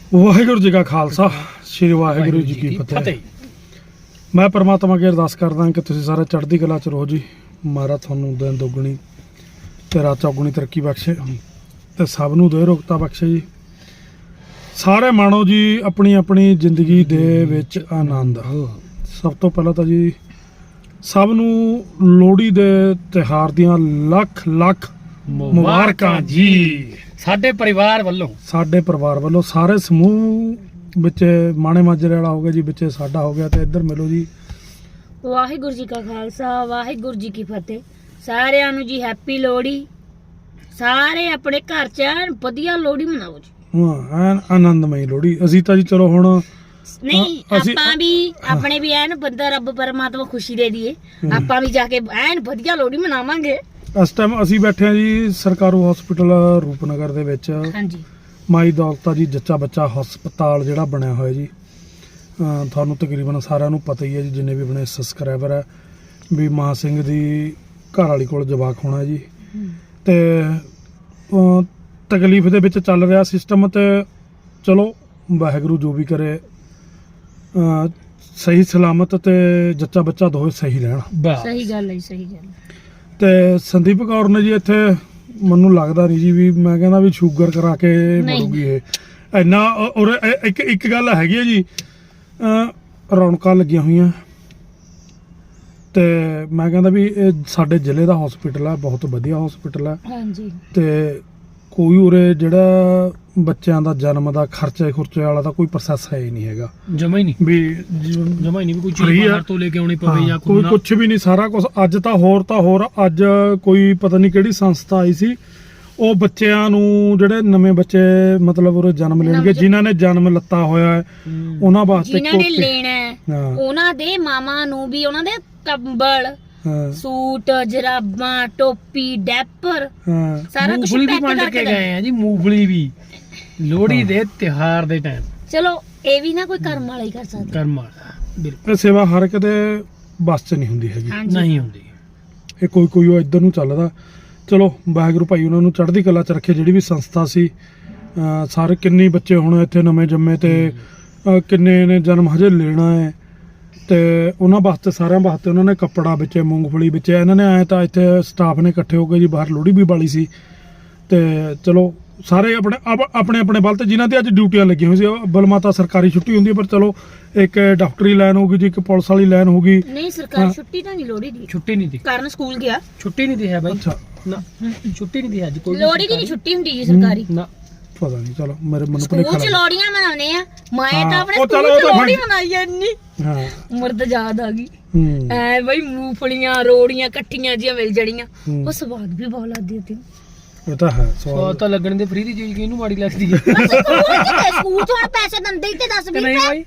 ਵਾਹਿਗੁਰੂ ਜੀ ਕਾ ਖਾਲਸਾ ਸ੍ਰੀ ਵਾਹਿਗੁਰੂ ਜੀ ਕੀ ਫਤਿਹ। ਮੈਂ ਪਰਮਾਤਮਾ ਅੱਗੇ ਅਰਦਾਸ ਕਰਦਾ ਕਿ ਤੁਸੀਂ ਸਾਰੇ ਚੜ੍ਹਦੀ ਕਲਾ ਚ ਰਹੋ ਜੀ। ਮਹਾਰਾਜ ਤੁਹਾਨੂੰ ਦਿਨ ਦੁੱਗਣੀ ਤੇ ਰਾਤ ਚੌਗੁਣੀ ਤਰੱਕੀ ਬਖਸ਼ੇ ਤੇ ਸਭ ਨੂੰ ਦੇ ਰੋਗਤਾ ਬਖਸ਼ੇ ਜੀ। ਸਾਰੇ ਮਾਣੋ ਜੀ ਆਪਣੀ ਆਪਣੀ ਜ਼ਿੰਦਗੀ ਦੇ ਵਿੱਚ ਆਨੰਦ। ਸਭ ਤੋਂ ਪਹਿਲਾਂ ਤਾਂ ਜੀ ਸਭ ਨੂੰ ਲੋਹੜੀ ਦੇ ਤਿਉਹਾਰ ਦੀਆਂ ਲੱਖ ਲੱਖ ਮੁਬਾਰਕਾਂ ਜੀ। ਸਾਡੇ ਪਰਿਵਾਰ ਵੱਲੋਂ ਸਾਰੇ ਸਮੂਹ ਵਿੱਚ ਮਾਣੇ ਮਾਜਰੇ ਵਾਲਾ ਹੋ ਗਿਆ ਜੀ, ਵਿੱਚ ਸਾਡਾ ਹੋ ਗਿਆ ਤੇ ਇੱਧਰ ਮਿਲੋ ਜੀ। ਵਾਹਿਗੁਰੂ ਜੀ ਕਾ ਖਾਲਸਾ ਵਾਹਿਗੁਰੂ ਜੀ ਕੀ ਫਤਿਹ। ਸਾਰਿਆਂ ਨੂੰ ਜੀ ਹੈਪੀ ਲੋਹੜੀ। ਸਾਰੇ ਆਪਣੇ ਘਰ 'ਚ ਐਨ ਵਧੀਆ ਲੋਹੜੀ ਮਨਾਓ ਜੀ। ਹਾਂ ਐਨ ਆਨੰਦਮਈ ਲੋਹੜੀ। ਅਸੀਂ ਤਾਂ ਜੀ ਚਲੋ ਹੁਣ ਨਹੀਂ ਆਪਾਂ ਵੀ ਆਪਣੇ ਵੀ ਐਨ ਬੰਦਾ ਰੱਬ ਪਰਮਾਤਮਾ ਖੁਸ਼ੀ ਦੇ ਦੀਏ, ਆਪਾਂ ਵੀ ਜਾ ਕੇ ਐਨ ਵਧੀਆ ਲੋਹੜੀ ਮਨਾਵਾਂਗੇ। ਇਸ ਟਾਈਮ ਅਸੀਂ ਬੈਠੇ ਹਾਂ ਜੀ ਸਰਕਾਰੂ ਹਸਪੀਟਲ ਰੂਪਨਗਰ ਦੇ ਵਿੱਚ। ਹਾਂਜੀ ਮਾਈ ਦੌਲਤਾ ਜੀ ਜੱਚਾ ਬੱਚਾ ਹਸਪਤਾਲ ਜਿਹੜਾ ਬਣਿਆ ਹੋਇਆ ਜੀ। ਤੁਹਾਨੂੰ ਤਕਰੀਬਨ ਸਾਰਿਆਂ ਨੂੰ ਪਤਾ ਹੀ ਹੈ ਜੀ, ਜਿੰਨੇ ਵੀ ਆਪਣੇ ਸਬਸਕ੍ਰਾਈਬਰ ਹੈ, ਵੀ ਮਾਂ ਸਿੰਘ ਦੀ ਘਰ ਵਾਲੀ ਕੋਲ ਜਵਾਕ ਹੋਣਾ ਜੀ। ਤੇ ਤਕਲੀਫ ਦੇ ਵਿੱਚ ਚੱਲ ਰਿਹਾ ਸਿਸਟਮ, ਤੇ ਚਲੋ ਵਾਹਿਗੁਰੂ ਜੋ ਵੀ ਕਰੇ ਸਹੀ ਸਲਾਮਤ ਤੇ ਜੱਚਾ ਬੱਚਾ ਦੋਵੇਂ ਸਹੀ ਰਹਿਣ। ਸਹੀ ਗੱਲ ਹੈ, ਸਹੀ ਗੱਲ। ਤੇ ਸੰਦੀਪ ਕੌਰ ਨੇ ਜੀ ਇੱਥੇ ਮੈਨੂੰ ਲੱਗਦਾ ਨਹੀਂ ਜੀ, ਵੀ ਮੈਂ ਕਹਿੰਦਾ ਵੀ ਸ਼ੂਗਰ ਕਰਾ ਕੇ ਮਰੂਗੀ ਇਹ ਇੰਨਾ। ਔਰ ਇੱਕ ਗੱਲ ਹੈਗੀ ਹੈ ਜੀ, ਰੌਣਕਾਂ ਲੱਗੀਆਂ ਹੋਈਆਂ ਤੇ ਮੈਂ ਕਹਿੰਦਾ ਵੀ ਇਹ ਸਾਡੇ ਜ਼ਿਲ੍ਹੇ ਦਾ ਹਸਪੀਟਲ ਹੈ, ਬਹੁਤ ਵਧੀਆ ਹਸਪੀਟਲ ਹੈ। ਹਾਂਜੀ ਤੇ ਕੋਈ ਉਰੇ ਜਿਹੜਾ ਬੱਚਿਆਂ ਦਾ ਜਨਮ ਦਾ ਖਰਚੇ ਖੁਰਚੇ ਵਾਲਾ ਤਾਂ ਕੋਈ ਪ੍ਰੋਸੈਸ ਹੈ ਹੀ ਨਹੀਂ ਹੈਗਾ, ਜਮਾ ਹੀ ਨਹੀਂ ਵੀ ਕੋਈ ਚੀਜ਼ ਬਾਹਰ ਤੋਂ ਲੈ ਕੇ ਆਉਣੀ ਪਵੇ ਜਾਂ ਕੋਈ ਕੁਝ ਵੀ ਨਹੀਂ, ਸਾਰਾ ਕੁਝ। ਅੱਜ ਤਾਂ ਹੋਰ ਅੱਜ ਕੋਈ ਪਤਾ ਨਹੀਂ ਕਿਹੜੀ ਸੰਸਥਾ ਆਈ ਸੀ, ਉਹ ਬੱਚਿਆਂ ਨੂੰ ਜਿਹੜੇ ਨਵੇਂ ਬੱਚੇ ਮਤਲਬ ਉਰੇ ਜਨਮ ਲੈਣਗੇ, ਜਿਨ੍ਹਾਂ ਨੇ ਜਨਮ ਲੱਤਾ ਹੋਇਆ ਹੈ ਉਹਨਾਂ ਵਾਸਤੇ, ਜਿਨ੍ਹਾਂ ਨੇ ਲੈਣਾ ਹੈ ਉਹਨਾਂ ਦੇ ਮਾਮਾ ਨੂੰ ਵੀ ਉਹਨਾਂ ਦੇ ਕੰਬਲ ਸੂਟ ਜਰਾਬਾਂ ਟੋਪੀ ਡੈਪਰ ਸਾਰਾ ਕੁਝ ਪੈਕ ਕਰਕੇ ਗਏ ਆ ਜੀ। ਮੂੰਗਫਲੀ ਵੀ ਲੋਹੜੀ ਦੇ ਤਿਉਹਾਰ ਦੇ ਟਾਈਮ। ਚਲੋ ਇਹ ਵੀ ਨਾ ਕੋਈ ਕਰਮ ਵਾਲਾ ਹੀ ਕਰ ਸਕਦਾ। ਕਰਮ ਵਾਲਾ ਬਿਲਕੁਲ। ਇਹ ਸੇਵਾ ਹਰ ਕਿਤੇ ਬਸ 'ਚ ਨਹੀਂ ਹੁੰਦੀ ਹੈਗੀ, ਨਹੀਂ ਹੁੰਦੀ। ਇਹ ਕੋਈ ਉਹ ਇੱਧਰ ਨੂੰ ਚੱਲਦਾ। ਚਲੋ ਵਾਹਿਗੁਰੂ ਭਾਈ ਉਹਨਾਂ ਨੂੰ ਚੜ੍ਹਦੀ ਕਲਾ 'ਚ ਰੱਖੇ। ਜਿਹੜੀ ਵੀ ਸੰਸਥਾ ਸੀ, ਸਾਰੇ ਕਿੰਨੇ ਬੱਚੇ ਹੁਣ ਇੱਥੇ ਨਵੇਂ ਜੰਮੇ ਤੇ ਕਿੰਨੇ ਨੇ ਜਨਮ ਹਜੇ ਲੈਣਾ ਹੈ, ਤੇ ਉਹਨਾਂ ਵਾਸਤੇ ਸਾਰਿਆਂ ਵਾਸਤੇ ਉਹਨਾਂ ਨੇ ਕੱਪੜਾ ਵਿੱਚ ਮੂੰਗਫਲੀ ਵਿੱਚ ਇਹਨਾਂ ਨੇ ਆਏ ਤਾਂ ਇੱਥੇ ਸਟਾਫ ਨੇ ਇਕੱਠੇ ਹੋ ਕੇ ਜੀ ਬਾਹਰ ਲੋਹੜੀ ਵੀ ਬਾਲੀ ਸੀ। ਤੇ ਚਲੋ ਸਾਰੇ ਆਪਣੇ ਬਲ ਤੇ ਜਿਨ੍ਹਾਂ ਦੀ ਅੱਜ ਡਿਊਟੀਆਂ ਲੱਗੀਆਂ ਹੋਈ ਸੀ। ਬਲਮਾਤਾ ਸਰਕਾਰੀ ਛੁੱਟੀ ਹੁੰਦੀ ਹੈ, ਪਰ ਚਲੋ ਇੱਕ ਡਾਕਟਰੀ ਲਾਈਨ ਹੋਊਗੀ ਜੀ, ਇੱਕ ਪੁਲਿਸ ਵਾਲੀ ਲਾਈਨ ਹੋਊਗੀ। ਨਹੀਂ ਸਰਕਾਰੀ ਛੁੱਟੀ ਤਾਂ ਨਹੀਂ ਲੋਹੜੀ ਦੀ। ਛੁੱਟੀ ਨਹੀਂ ਦੀ ਕਾਰਨ ਸਕੂਲ ਗਿਆ। ਛੁੱਟੀ ਨਹੀਂ ਦੀ ਹੈ ਬਾਈ। ਅੱਛਾ ਨਾ ਛੁੱਟੀ ਨਹੀਂ ਦੀ ਅੱਜ ਕੋਈ। ਲੋਹੜੀ ਦੀ ਨਹੀਂ ਛੁੱਟੀ ਹੁੰਦੀ ਜੀ ਸਰਕਾਰੀ। ਨਾ ਪਤਾ ਨਹੀਂ, ਚਲੋ ਮੇਰੇ ਮਨ ਸਕੂਲ ਚ ਲੋਹੜੀਆਂ ਮਨਾਉਣੇ ਆ। ਮੈਂ ਤਾਂ ਆਪਣੇ ਸਕੂਲ ਚ ਲੋਹੜੀ ਮਨਾਈ ਐ ਇੰਨੀ। ਹਾਂ ਉਮਰ ਤਾਂ ਯਾਦ ਆ ਗਈ ਐ ਬਈ, ਮੂੰਗਫਲੀਆਂ ਰੋੜੀਆਂ ਇਕੱਠੀਆਂ ਜੀਆਂ ਮਿਲ ਜੜੀਆਂ, ਉਹ ਸਵਾਦ ਵੀ ਬਹੁਤ ਲੱਗਦੀ ਸੀ। ਇਹ ਤਾਂ ਹੈ ਸਵਾਦ ਤਾਂ ਲੱਗਣ ਦੇ। ਫ੍ਰੀ ਦੀ ਚੀਜ਼ ਕਿਹਨੂੰ ਮਾੜੀ ਲੱਗਦੀ ਹੈ? ਸਕੂਲ ਚ ਹੁਣ ਪੈਸੇ ਦਿੰਦੇ ਹੀ ਤੇ 10-20 ਨਹੀਂ ਬਾਈ।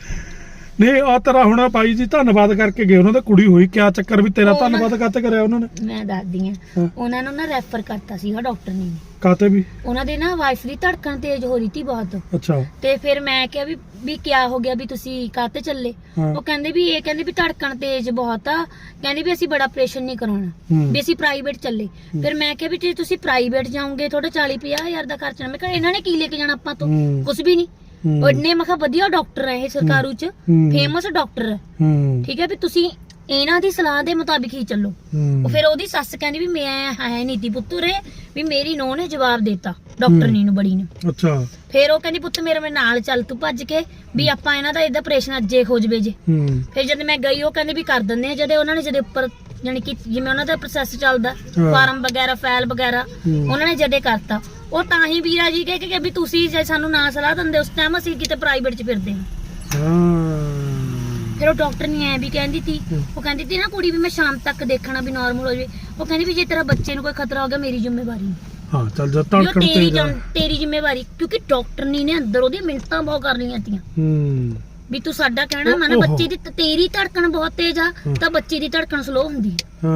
ਨਹੀਂ ਆ ਤੇਰਾ ਹੁਣ ਭਾਈ ਜੀ ਧੰਨਵਾਦ ਕਰਕੇ ਗਏ, ਉਹਨਾਂ ਦਾ ਕੁੜੀ ਹੋਈ, ਕਿਆ ਚੱਕਰ ਵੀ ਤੇਰਾ ਧੰਨਵਾਦ ਕਾਤੇ ਕਰਿਆ ਉਹਨਾਂ ਨੇ? ਮੈਂ ਦੱਸਦੀ ਆ, ਉਹਨਾਂ ਨੂੰ ਨਾ ਰੈਫਰ ਕਰਤਾ ਸੀਗਾ ਡਾਕਟਰ ਨੇ। ਕਾਤੇ ਵੀ? ਉਹਨਾਂ ਦੇ ਨਾ ਵਾਈਫ ਦੀ ਧੜਕਣ ਤੇਜ਼ ਹੋ ਰਹੀ ਸੀ ਬਹੁਤ। ਅੱਛਾ। ਤੇ ਫਿਰ ਮੈਂ ਕਿਹਾ ਵੀ ਕਿਆ ਹੋ ਗਿਆ, ਵੀ ਤੁਸੀਂ ਕਾਤੇ ਚੱਲੇ? ਉਹ ਕਹਿੰਦੇ ਵੀ ਧੜਕਣ ਤੇਜ਼ ਬਹੁਤ ਆ, ਕਹਿੰਦੇ ਵੀ ਅਸੀਂ ਬੜਾ ਆਪਰੇਸ਼ਨ ਨਹੀਂ ਕਰਾਉਣਾ, ਵੀ ਅਸੀਂ ਪ੍ਰਾਈਵੇਟ ਚੱਲੇ। ਫਿਰ ਮੈਂ ਕਿਹਾ ਵੀ ਜੇ ਤੁਸੀਂ ਪ੍ਰਾਈਵੇਟ ਜਾਓਗੇ ਤੁਹਾਡਾ 40-50 ਹਜ਼ਾਰ ਦਾ ਖਰਚਾ। ਮੈਂ ਕਿਹਾ ਇਹਨਾਂ ਨੇ ਕੀ ਲੈ ਕੇ ਜਾਣਾ ਆਪਾਂ ਤੋਂ? ਕੁਝ ਵੀ ਨਹੀਂ। ਉਹਨੇ ਮੈਂ ਕਿਹਾ ਵਧੀਆ ਡਾਕਟਰ ਹੈ ਇਹ, ਸਰਕਾਰੂ ਚ ਫੇਮਸ ਡਾਕਟਰ ਹੈ, ਠੀਕ ਹੈ, ਵੀ ਤੁਸੀਂ ਇਹਨਾਂ ਦੀ ਸਲਾਹ ਦੇ ਮੁਤਾਬਿਕ ਹੀ ਚੱਲੋ। ਉਹ ਫਿਰ ਉਹਦੀ ਸੱਸ ਕਹਿੰਦੀ ਵੀ ਮੈਂ ਹੈ ਨੀਤੀ ਪੁੱਤਰ ਵੀ ਮੇਰੀ ਨੂੰਹ ਨੇ ਜਵਾਬ ਦਿੱਤਾ ਡਾਕਟਰਨੀ ਨੂੰ, ਬੜੀ ਨੇ। ਅੱਛਾ। ਫਿਰ ਉਹ ਕਹਿੰਦੀ ਪੁੱਤ ਮੇਰੇ ਨਾਲ ਚੱਲ ਤੂੰ ਭੱਜ ਕੇ, ਵੀ ਆਪਾਂ ਇਹਨਾਂ ਦਾ ਇਹਦਾ ਆਪਰੇਸ਼ਨ ਅੱਜੇ ਹੋ ਜਵੇ ਜੇ। ਫਿਰ ਜਦ ਮੈਂ ਗਈ ਉਹ ਕਹਿੰਦੇ ਵੀ ਕਰ ਦਿੰਦੇ ਆ। ਜਦੇ ਉਹਨਾਂ ਨੇ ਜਦੇ ਉੱਪਰ ਜਾਨੀ ਕਿ ਜਿਵੇਂ ਉਹਨਾਂ ਦਾ ਪ੍ਰੋਸੈਸ ਚੱਲਦਾ, ਫਾਰਮ ਵਗੈਰਾ ਫਾਈਲ ਵਗੈਰਾ ਉਹਨਾਂ ਨੇ ਜਦੇ ਕਰਤਾ। ਉਹ ਤਾਂ ਹੀ ਵੀਰਾ ਜੀ ਕਹਿ ਕੇ ਵੀ ਤੁਸੀਂ ਜੇ ਸਾਨੂੰ ਨਾ ਸਲਾਹ ਦਿੰਦੇ ਉਸ ਟਾਈਮ ਅਸੀਂ ਕਿਤੇ ਪ੍ਰਾਈਵੇਟ ਚ ਫਿਰਦੇ ਹਾਂ। ਫਿਰ ਉਹ ਡਾਕਟਰ ਨਹੀਂ ਐ ਵੀ ਕਹਿੰਦੀ ਤੀ, ਉਹ ਕਹਿੰਦੀ ਤੀ ਨਾ ਕੁੜੀ ਵੀ ਮੈਂ ਸ਼ਾਮ ਤੱਕ ਦੇਖਣਾ ਵੀ ਨਾਰਮਲ ਹੋ ਜਾਵੇ। ਉਹ ਕਹਿੰਦੀ ਵੀ ਜੇ ਤੇਰਾ ਬੱਚੇ ਨੂੰ ਕੋਈ ਖਤਰਾ ਹੋ ਗਿਆ ਮੇਰੀ ਜ਼ਿੰਮੇਵਾਰੀ। ਹਾਂ ਚੱਲ ਜਾ ਧੜਕਣ ਤੇਰੀ ਜ਼ਿੰਮੇਵਾਰੀ, ਕਿਉਂਕਿ ਡਾਕਟਰ ਨੇ ਅੰਦਰ ਉਹਦੀਆਂ ਮਿੰਟਾਂ ਬਹੁਤ ਕਰ ਲਈਆਂ ਤੀਆਂ ਵੀ ਤੂੰ ਸਾਡਾ ਕਹਿਣਾ ਮੰਨ, ਬੱਚੇ ਦੀ ਤੇਰੀ ਧੜਕਣ ਬਹੁਤ ਤੇਜ਼ ਆ ਤਾਂ ਬੱਚੇ ਦੀ ਧੜਕਣ ਸਲੋ ਹੁੰਦੀ ਹੈ।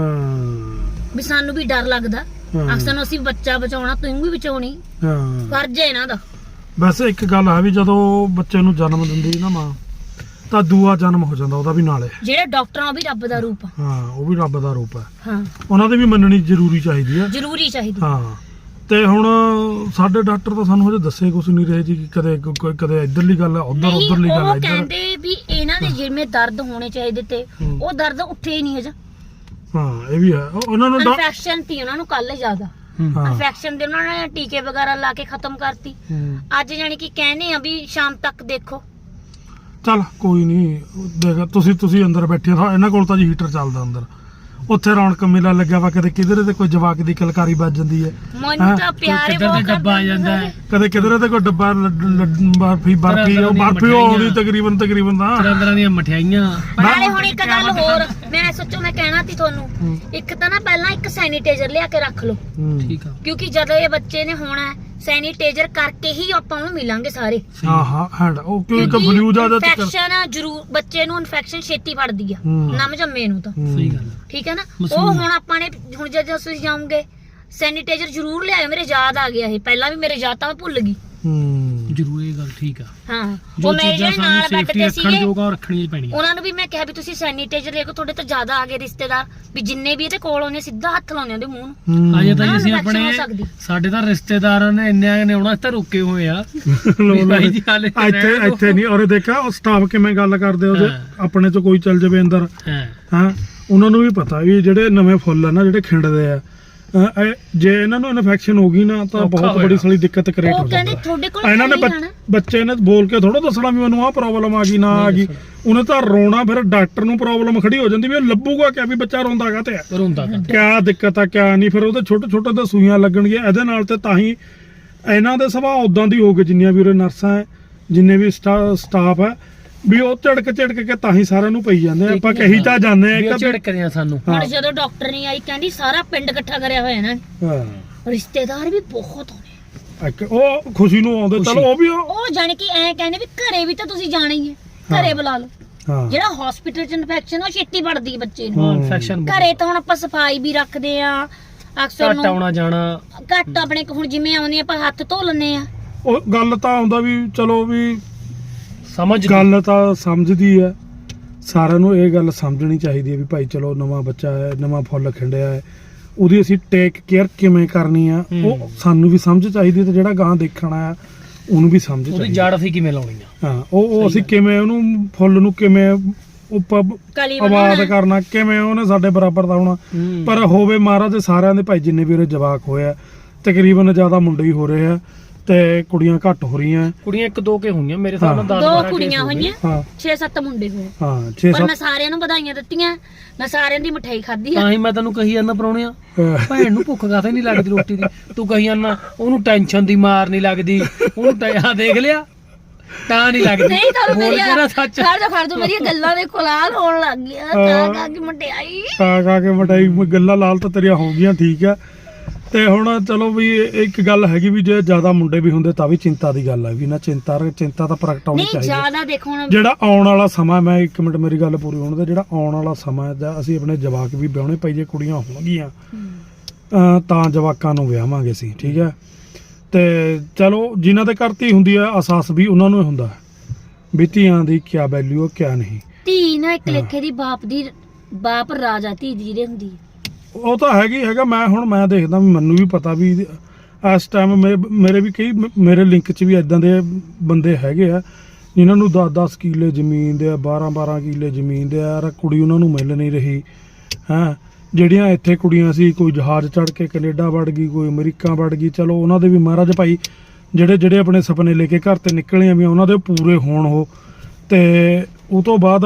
ਵੀ ਸਾਨੂੰ ਵੀ ਡਰ ਲੱਗਦਾ, ਅਕਸਰ ਨੂੰ ਅਸੀਂ ਬੱਚਾ ਬਚਾਉਣਾ, ਤੂੰ ਵੀ ਬਚਾਉਣੀ, ਫਰਜ਼ ਹੈ ਇਹਨਾਂ ਦਾ। ਵੈਸੇ ਇੱਕ ਗੱਲ ਹੈ ਵੀ ਜਦੋਂ ਬੱਚੇ ਨੂੰ ਜਨਮ ਦਿੰਦੀ ਨਾ ਮਾਂ, ਤਾਂ ਦੂਆ ਜਨਮ ਹੋ ਜਾਂਦਾ ਉਹਦਾ ਵੀ ਨਾਲੇ। ਜਿਹੜੇ ਡਾਕਟਰ ਉਹ ਵੀ ਰੱਬ ਦਾ ਰੂਪ ਆ। ਹਾਂ ਉਹ ਵੀ ਰੱਬ ਦਾ ਰੂਪ ਹੈ। ਹਾਂ ਉਹਨਾਂ ਦੀ ਵੀ ਮੰਨਣੀ ਜ਼ਰੂਰੀ ਚਾਹੀਦੀ ਹੈ। ਜ਼ਰੂਰੀ ਚਾਹੀਦੀ। ਹਾਂ ਤੇ ਹੁਣ ਸਾਡੇ ਡਾਕਟਰ ਤਾਂ ਸਾਨੂੰ ਹਜੇ ਦੱਸੇ ਕੁਝ ਨਹੀਂ ਰਹੇ ਜੀ ਕਿ ਕਦੇ ਇਧਰਲੀ ਗੱਲ ਹੈ ਉਧਰਲੀ ਗੱਲ ਹੈ ਉਹ ਕਹਿੰਦੇ ਵੀ ਇਹਨਾਂ ਦੇ ਜਿਵੇਂ ਦਰਦ ਹੋਣੇ ਚਾਹੀਦੇ ਤੇ ਉਹ ਦਰਦ ਉੱਠੇ ਹੀ ਨਹੀਂ ਹਜੇ। ਹਾਂ ਇਹ ਵੀ ਹੈ ਉਹਨਾਂ ਨੂੰ ਇਨਫੈਕਸ਼ਨ ਸੀ ਉਹਨਾਂ ਨੂੰ ਕੱਲ ਜ਼ਿਆਦਾ ਇਨਫੈਕਸ਼ਨ ਦੇ ਉਹਨਾਂ ਨੇ ਟੀਕੇ ਵਗੈਰਾ ਲਾ ਕੇ ਖਤਮ ਕਰਤੀ। ਅੱਜ ਜਾਨੀ ਕਿ ਕਹਿੰਦੇ ਆ ਵੀ ਸ਼ਾਮ ਤੱਕ ਦੇਖੋ। ਚੱਲ ਕੋਈ ਨਹੀਂ ਦੇਖ ਤੁਸੀਂ ਅੰਦਰ ਬੈਠੇ ਹੋ ਇਹਨਾਂ ਕੋਲ ਤਾਂ ਜੀ ਹੀਟਰ ਚੱਲਦਾ ਅੰਦਰ ਉੱਥੇ ਰੌਣਕ ਮੇਲਾ ਲੱਗਿਆ ਵਾ ਕਦੇ ਕਿਧਰੇ ਤੇ ਕੋਈ ਜਵਾਕ ਦੀ ਕਲਕਾਰੀ ਵੱਜ ਜਾਂਦੀ ਹੈ ਮੈਨੂੰ ਤਾਂ ਪਿਆਰੇ ਬਹੁਤ ਡੱਬਾ ਆ ਜਾਂਦਾ ਹੈ ਕਦੇ ਕਿਧਰੇ ਤੇ ਕੋਈ ਡੱਬਾ ਬਰਫੀ ਉਹ ਆਉਂਦੀ ਤਕਰੀਬਨ ਤਾਂ ਤਰ੍ਹਾਂ ਦੀਆਂ ਮਠਿਆਈਆਂ। ਨਾਲੇ ਹੁਣ ਇੱਕ ਗੱਲ ਹੋਰ ਮੈਂ ਸੋਚੋ ਮੈਂ ਕਹਿਣਾ ਸੀ ਤੁਹਾਨੂੰ ਇੱਕ ਤਾਂ ਨਾ ਪਹਿਲਾਂ ਇੱਕ ਸੈਨੀਟਾਈਜ਼ਰ ਲਿਆ ਕੇ ਰੱਖ ਲਓ ਠੀਕ ਆ ਕਿਉਂਕਿ ਜਦੋਂ ਇਹ ਬੱਚੇ ਨੇ ਹੋਣਾ ਸੈਨੀਟਾਈਜ਼ਰ ਕਰਕੇ ਹੀ ਆਪਾਂ ਨੂੰ ਮਿਲਾਂਗੇ ਸਾਰੇ। ਹਾਂ ਹੈਂਡ ਉਹ ਕਿਉਂਕਿ ਬਲੂ ਦਾ ਇਨਫੈਕਸ਼ਨ ਜ਼ਰੂਰ ਬੱਚੇ ਨੂੰ ਇਨਫੈਕਸ਼ਨ ਛੇਤੀ ਫੜਦੀ ਆ ਨਮ ਜੰਮੇ ਨੂੰ ਤਾਂ ਸਹੀ ਗੱਲ ਠੀਕ ਹੈ ਨਾ। ਉਹ ਹੁਣ ਆਪਾਂ ਨੇ ਹੁਣ ਜਦੋਂ ਤੁਸੀਂ ਜਾਓਗੇ ਸੈਨੀਟਾਈਜ਼ਰ ਜ਼ਰੂਰ ਲਿਆਇਓ। ਮੇਰੇ ਯਾਦ ਆ ਗਿਆ ਇਹ ਪਹਿਲਾਂ ਵੀ ਮੇਰੇ ਯਾਦ ਤਾਂ ਮੈਂ ਭੁੱਲ ਗਈ। ਜ਼ਰੂਰ ਇਹ ਗੱਲ ਠੀਕ ਆ ਹਾਂ ਉਹ ਮੇਰੇ ਜਿਹੜੇ ਨਾਲ ਬੈਠ ਤੇ ਸੀਗੇ ਰੱਖਣੀ ਪੈਣੀ ਉਹਨਾਂ ਨੂੰ ਵੀ ਮੈਂ ਕਿਹਾ ਵੀ ਤੁਸੀਂ ਸੈਨੀਟਾਈਜ਼ਰ ਲੈ ਕੇ ਤੁਹਾਡੇ ਤੋਂ ਜ਼ਿਆਦਾ ਆ ਗਏ ਰਿਸ਼ਤੇਦਾਰ ਵੀ ਜਿੰਨੇ ਵੀ ਇਹਦੇ ਕੋਲ ਆਉਂਦੇ ਸਿੱਧਾ ਹੱਥ ਲਾਉਂਦੇ ਉਹਦੇ ਮੂੰਹ ਨੂੰ। ਅਜੇ ਤਾਂ ਅਸੀਂ ਆਪਣੇ ਸਾਡੇ ਤਾਂ ਰਿਸ਼ਤੇਦਾਰਾਂ ਨੇ ਇੰਨੇ ਨੇ ਆਉਣਾ ਤਾਂ ਰੁਕੇ ਹੋਏ ਆ ਇੱਥੇ ਨਹੀਂ ਔਰ ਦੇਖਾ ਉਹ ਸਟਾਫ ਕਿਵੇਂ ਗੱਲ ਕਰਦੇ ਉਹਦੇ ਆਪਣੇ ਚ ਕੋਈ ਚੱਲ ਜਾਵੇ ਅੰਦਰ ਹਾਂ ਉਹਨਾਂ ਨੂੰ ਵੀ ਪਤਾ ਵੀ ਜਿਹੜੇ ਨਵੇਂ ਫੁੱਲ ਆ ਨਾ ਜਿਹੜੇ ਖਿੰਡਦੇ ਆ ਜੇ ਇਹਨਾਂ ਨੂੰ ਇਨਫੈਕਸ਼ਨ ਹੋ ਗਈ ਨਾ ਤਾਂ ਬਹੁਤ ਬੜੀ ਸਾਰੀ ਦਿੱਕਤ ਕ੍ਰੀਏਟ ਹੋ ਜਾਂਦੀ ਹੈ। ਇਹਨਾਂ ਨੇ ਬੱਚੇ ਨੇ ਬੋਲ ਕੇ ਥੋੜਾ ਦੱਸਣਾ ਵੀ ਮੈਨੂੰ ਆਹ ਪ੍ਰੋਬਲਮ ਆ ਗਈ ਨਾ ਆ ਗਈ ਉਹਨੇ ਤਾਂ ਰੋਣਾ ਫਿਰ ਡਾਕਟਰ ਨੂੰ ਪ੍ਰੋਬਲਮ ਖੜੀ ਹੋ ਜਾਂਦੀ ਵੀ ਉਹ ਲੱਭੂਗਾ ਕਿਆ ਵੀ ਬੱਚਾ ਰੋਂਦਾ ਕਾਤੇ ਆ ਕਿਆ ਦਿੱਕਤ ਆ ਕਿਆ ਨਹੀਂ ਫਿਰ ਉਹਦੇ ਛੋਟੇ ਤਾਂ ਸੂਈਆਂ ਲੱਗਣਗੀਆਂ ਇਹਦੇ ਨਾਲ ਤੇ ਤਾਂ ਹੀ ਇਹਨਾਂ ਦੇ ਸੁਭਾਅ ਉਦਾਂ ਦੀ ਹੋ ਗਏ ਜਿੰਨੀਆਂ ਵੀ ਉਰੇ ਨਰਸਾਂ ਹੈ ਜਿੰਨੇ ਵੀ ਸਟਾਫ ਹੈ ਵੀ ਉਹ ਝੜਕ ਕੇ ਤਾਂ ਹੀ ਸਾਰਿਆਂ ਨੂੰ ਪਈ ਜਾਂਦੇ ਆਪਾਂ ਕਹੀ ਤਾਂ ਜਾਂਦੇ ਆ ਝੜਕਦੇ ਆ ਸਾਨੂੰ। ਹੁਣ ਜਦੋਂ ਡਾਕਟਰ ਨਹੀਂ ਆਈ ਕਹਿੰਦੀ ਸਾਰਾ ਪਿੰਡ ਇਕੱਠਾ ਕਰਿਆ ਹੋਇਆ ਇਹਨਾਂ ਨੇ ਰਿਸ਼ਤੇਦਾਰ ਵੀ ਬਹੁਤ ਹੋਣੇ ਉਹ ਖੁਸ਼ੀ ਨੂੰ ਆਉਂਦੇ ਚਲੋ ਉਹ ਵੀ ਉਹ ਜਾਣ ਕਿ ਐ ਕਹਿੰਦੇ ਵੀ ਘਰੇ ਵੀ ਤਾਂ ਤੁਸੀਂ ਜਾਣਾ ਹੀ ਹੈ ਘਰੇ ਬੁਲਾ ਲਓ। ਜਿਹੜਾ ਹਸਪੀਟਲ ਚ ਇਨਫੈਕਸ਼ਨ ਉਹ ਛੇਤੀ ਵੱਧਦੀ ਬੱਚੇ ਨੂੰ ਇਨਫੈਕਸ਼ਨ ਘਰੇ ਤਾਂ ਹੁਣ ਆਪਾਂ ਸਫਾਈ ਵੀ ਰੱਖਦੇ ਆ ਅਕਸਰ ਨੂੰ ਆਉਣਾ ਜਾਣਾ ਘੱਟ ਆਪਣੇ ਹੁਣ ਜਿਵੇਂ ਆਉਂਦੇ ਆਪਾਂ ਹੱਥ ਧੋ ਲੈਂਦੇ ਆ। ਉਹ ਗੱਲ ਤਾਂ ਆਉਂਦਾ ਵੀ ਚਲੋ ਵੀ ਸਮਝ ਗੱਲ ਤਾਂ ਸਮਝਦੀ ਹੈ ਸਾਰਿਆਂ ਨੂੰ ਇਹ ਗੱਲ ਸਮਝਣੀ ਚਾਹੀਦੀ ਹੈ ਵੀ ਭਾਈ ਚਲੋ ਨਵਾਂ ਬੱਚਾ ਹੈ ਨਵਾਂ ਫੁੱਲ ਖਿੰਡਿਆ ਹੈ ਉਹਦੀ ਅਸੀਂ ਟੇਕ ਕੇਅਰ ਕਿਵੇਂ ਕਰਨੀ ਆ ਉਹ ਸਾਨੂੰ ਵੀ ਸਮਝ ਚਾਹੀਦੀ ਤੇ ਜਿਹੜਾ ਗਾਂ ਦੇਖਣਾ ਆ ਉਹਨੂੰ ਵੀ ਸਮਝ ਚਾਹੀਦੀ ਉਹਦੀ ਜੜ ਅਸੀਂ ਕਿਵੇਂ ਲਾਉਣੀ ਆ ਹਾਂ ਉਹ ਅਸੀਂ ਕਿਵੇਂ ਉਹਨੂੰ ਫੁੱਲ ਨੂੰ ਕਿਵੇਂ ਆਬਾਦ ਕਰਨਾ ਕਿਵੇਂ ਉਹਨੇ ਸਾਡੇ ਬਰਾਬਰ ਦਾ ਹੋਣਾ ਪਰ ਹੋਵੇ ਮਹਾਰਾਜ ਦੇ ਸਾਰਿਆਂ ਦੇ ਭਾਈ ਜਿੰਨੇ ਵੀ ਉਹਦੇ ਜਵਾਕ ਹੋਇਆ ਤਕਰੀਬਨ ਜ਼ਿਆਦਾ ਮੁੰਡੇ ਹੀ ਹੋ ਰਹੇ ਆ ਤੇ ਕੁੜੀਆਂ ਘੱਟ ਹੋ ਰਹੀਆਂ ਕੁੜੀਆਂ 1-2 ਕੇ ਹੋਈਆਂ ਮੇਰੇ ਹਿਸਾਬ ਨਾਲ 10 2 ਕੁੜੀਆਂ ਹੋਈਆਂ 6-7 ਮੁੰਡੇ ਹੋਏ ਹਾਂ 6-7 ਪਰ ਮੈਂ ਸਾਰਿਆਂ ਨੂੰ ਵਧਾਈਆਂ ਦਿੱਤੀਆਂ ਮੈਂ ਸਾਰਿਆਂ ਦੀ ਮਠਾਈ ਖਾਧੀ ਆ। ਤਾਂ ਹੀ ਮੈਂ ਤੈਨੂੰ ਕਹੀ ਜਾਂਦਾ ਪਰੌਣਿਆ ਭੈਣ ਨੂੰ ਭੁੱਖ ਕਾਹਤੇ ਨਹੀਂ ਲੱਗਦੀ ਰੋਟੀ ਦੀ ਤੂੰ ਕਹੀ ਜਾਂਦਾ ਉਹਨੂੰ ਟੈਨਸ਼ਨ ਦੀ ਮਾਰ ਨਹੀਂ ਲੱਗਦੀ ਉਹਨੂੰ ਆ ਦੇਖ ਲਿਆ ਤਾਂ ਨਹੀਂ ਲੱਗਦੀ ਨਹੀਂ ਤੁਹਾਨੂੰ ਮੇਰੀ ਸੱਚ ਖੜ ਜਾ ਮੇਰੀਆਂ ਗੱਲਾਂ ਦੇ ਕੋਲਾਲ ਹੋਣ ਲੱਗ ਗਿਆ ਕਾ ਕੇ ਮਠਾਈ ਕਾ ਕੇ ਮਠਾਈ ਗੱਲਾਂ ਲਾਲ ਤਾਂ ਤੇਰੀਆਂ ਹੋ ਗਈਆਂ ਠੀਕ ਆ ਤੇ ਹੁਣ ਚਲੋ ਵੀ ਇੱਕ ਗੱਲ ਹੈਗੀ ਵੀ ਜੇ ਜ਼ਿਆਦਾ ਮੁੰਡੇ ਵੀ ਹੁੰਦੇ ਤਾਂ ਵੀ ਚਿੰਤਾ ਦੀ ਗੱਲ ਹੈ ਵੀ ਨਾ ਚਿੰਤਾ ਤਾਂ ਪ੍ਰਗਟਾਉਣੀ ਚਾਹੀਦੀ ਜ਼ਿਆਦਾ ਦੇਖੋ ਹੁਣ ਜਿਹੜਾ ਆਉਣ ਵਾਲਾ ਸਮਾਂ ਮੈਂ 1 ਮਿੰਟ ਮੇਰੀ ਗੱਲ ਪੂਰੀ ਹੋਣ ਦੇ ਜਿਹੜਾ ਆਉਣ ਵਾਲਾ ਸਮਾਂ ਦਾ ਅਸੀਂ ਆਪਣੇ ਜਵਾਕ ਵੀ ਵਿਆਹਣੇ ਪਈ ਜੇ ਕੁੜੀਆਂ ਹੋਣਗੀਆਂ ਤਾਂ ਜਵਾਕਾਂ ਨੂੰ ਵਿਆਹਾਂਗੇ ਅਸੀਂ ਠੀਕ ਹੈ ਤੇ ਚਲੋ ਜਿਨ੍ਹਾਂ ਦੇ ਘਰ ਧੀ ਹੁੰਦੀ ਹੈ ਅਹਿਸਾਸ ਵੀ ਉਹਨਾਂ ਨੂੰ ਹੁੰਦਾ ਵੀ ਧੀਆਂ ਦੀ ਕਿਆ ਵੈਲਿਊ ਕਿਆ ਨਹੀਂ। ਧੀ ਨਾ ਇੱਕ ਲੇਖੇ ਦੀ ਬਾਪ ਰਾਜਾ ਧੀ ਦੀ ਜਿਹੜੀ ਹੁੰਦੀ ਹੈ ਉਹ ਤਾਂ ਹੈਗਾ ਮੈਂ ਦੇਖਦਾ ਵੀ ਮੈਨੂੰ ਵੀ ਪਤਾ ਵੀ ਇਸ ਟਾਈਮ ਮੇਰੇ ਵੀ ਕਈ ਮੇਰੇ ਲਿੰਕ 'ਚ ਵੀ ਇਦਾਂ ਦੇ ਬੰਦੇ ਹੈਗੇ ਆ ਜਿਨ੍ਹਾਂ ਨੂੰ 10-10 ਕਿੱਲੇ ਜ਼ਮੀਨ ਦੇ ਆ 12-12 ਕਿੱਲੇ ਜ਼ਮੀਨ ਦੇ ਆ ਕੁੜੀ ਉਹਨਾਂ ਨੂੰ ਮਿਲ ਨਹੀਂ ਰਹੀ ਹੈਂ ਜਿਹੜੀਆਂ ਇੱਥੇ ਕੁੜੀਆਂ ਸੀ ਕੋਈ ਜਹਾਜ਼ ਚੜ੍ਹ ਕੇ ਕੈਨੇਡਾ ਵੜ ਗਈ ਕੋਈ ਅਮਰੀਕਾ ਵੜ ਗਈ ਚਲੋ ਉਹਨਾਂ ਦੇ ਵੀ ਮਹਾਰਾਜ ਭਾਈ ਜਿਹੜੇ ਆਪਣੇ ਸੁਪਨੇ ਲੈ ਕੇ ਘਰ ਤੇ ਨਿਕਲੇ ਆ ਵੀ ਉਹਨਾਂ ਦੇ ਪੂਰੇ ਹੋਣ ਉਹ ਤੇ ਉਹ ਤੋਂ ਬਾਅਦ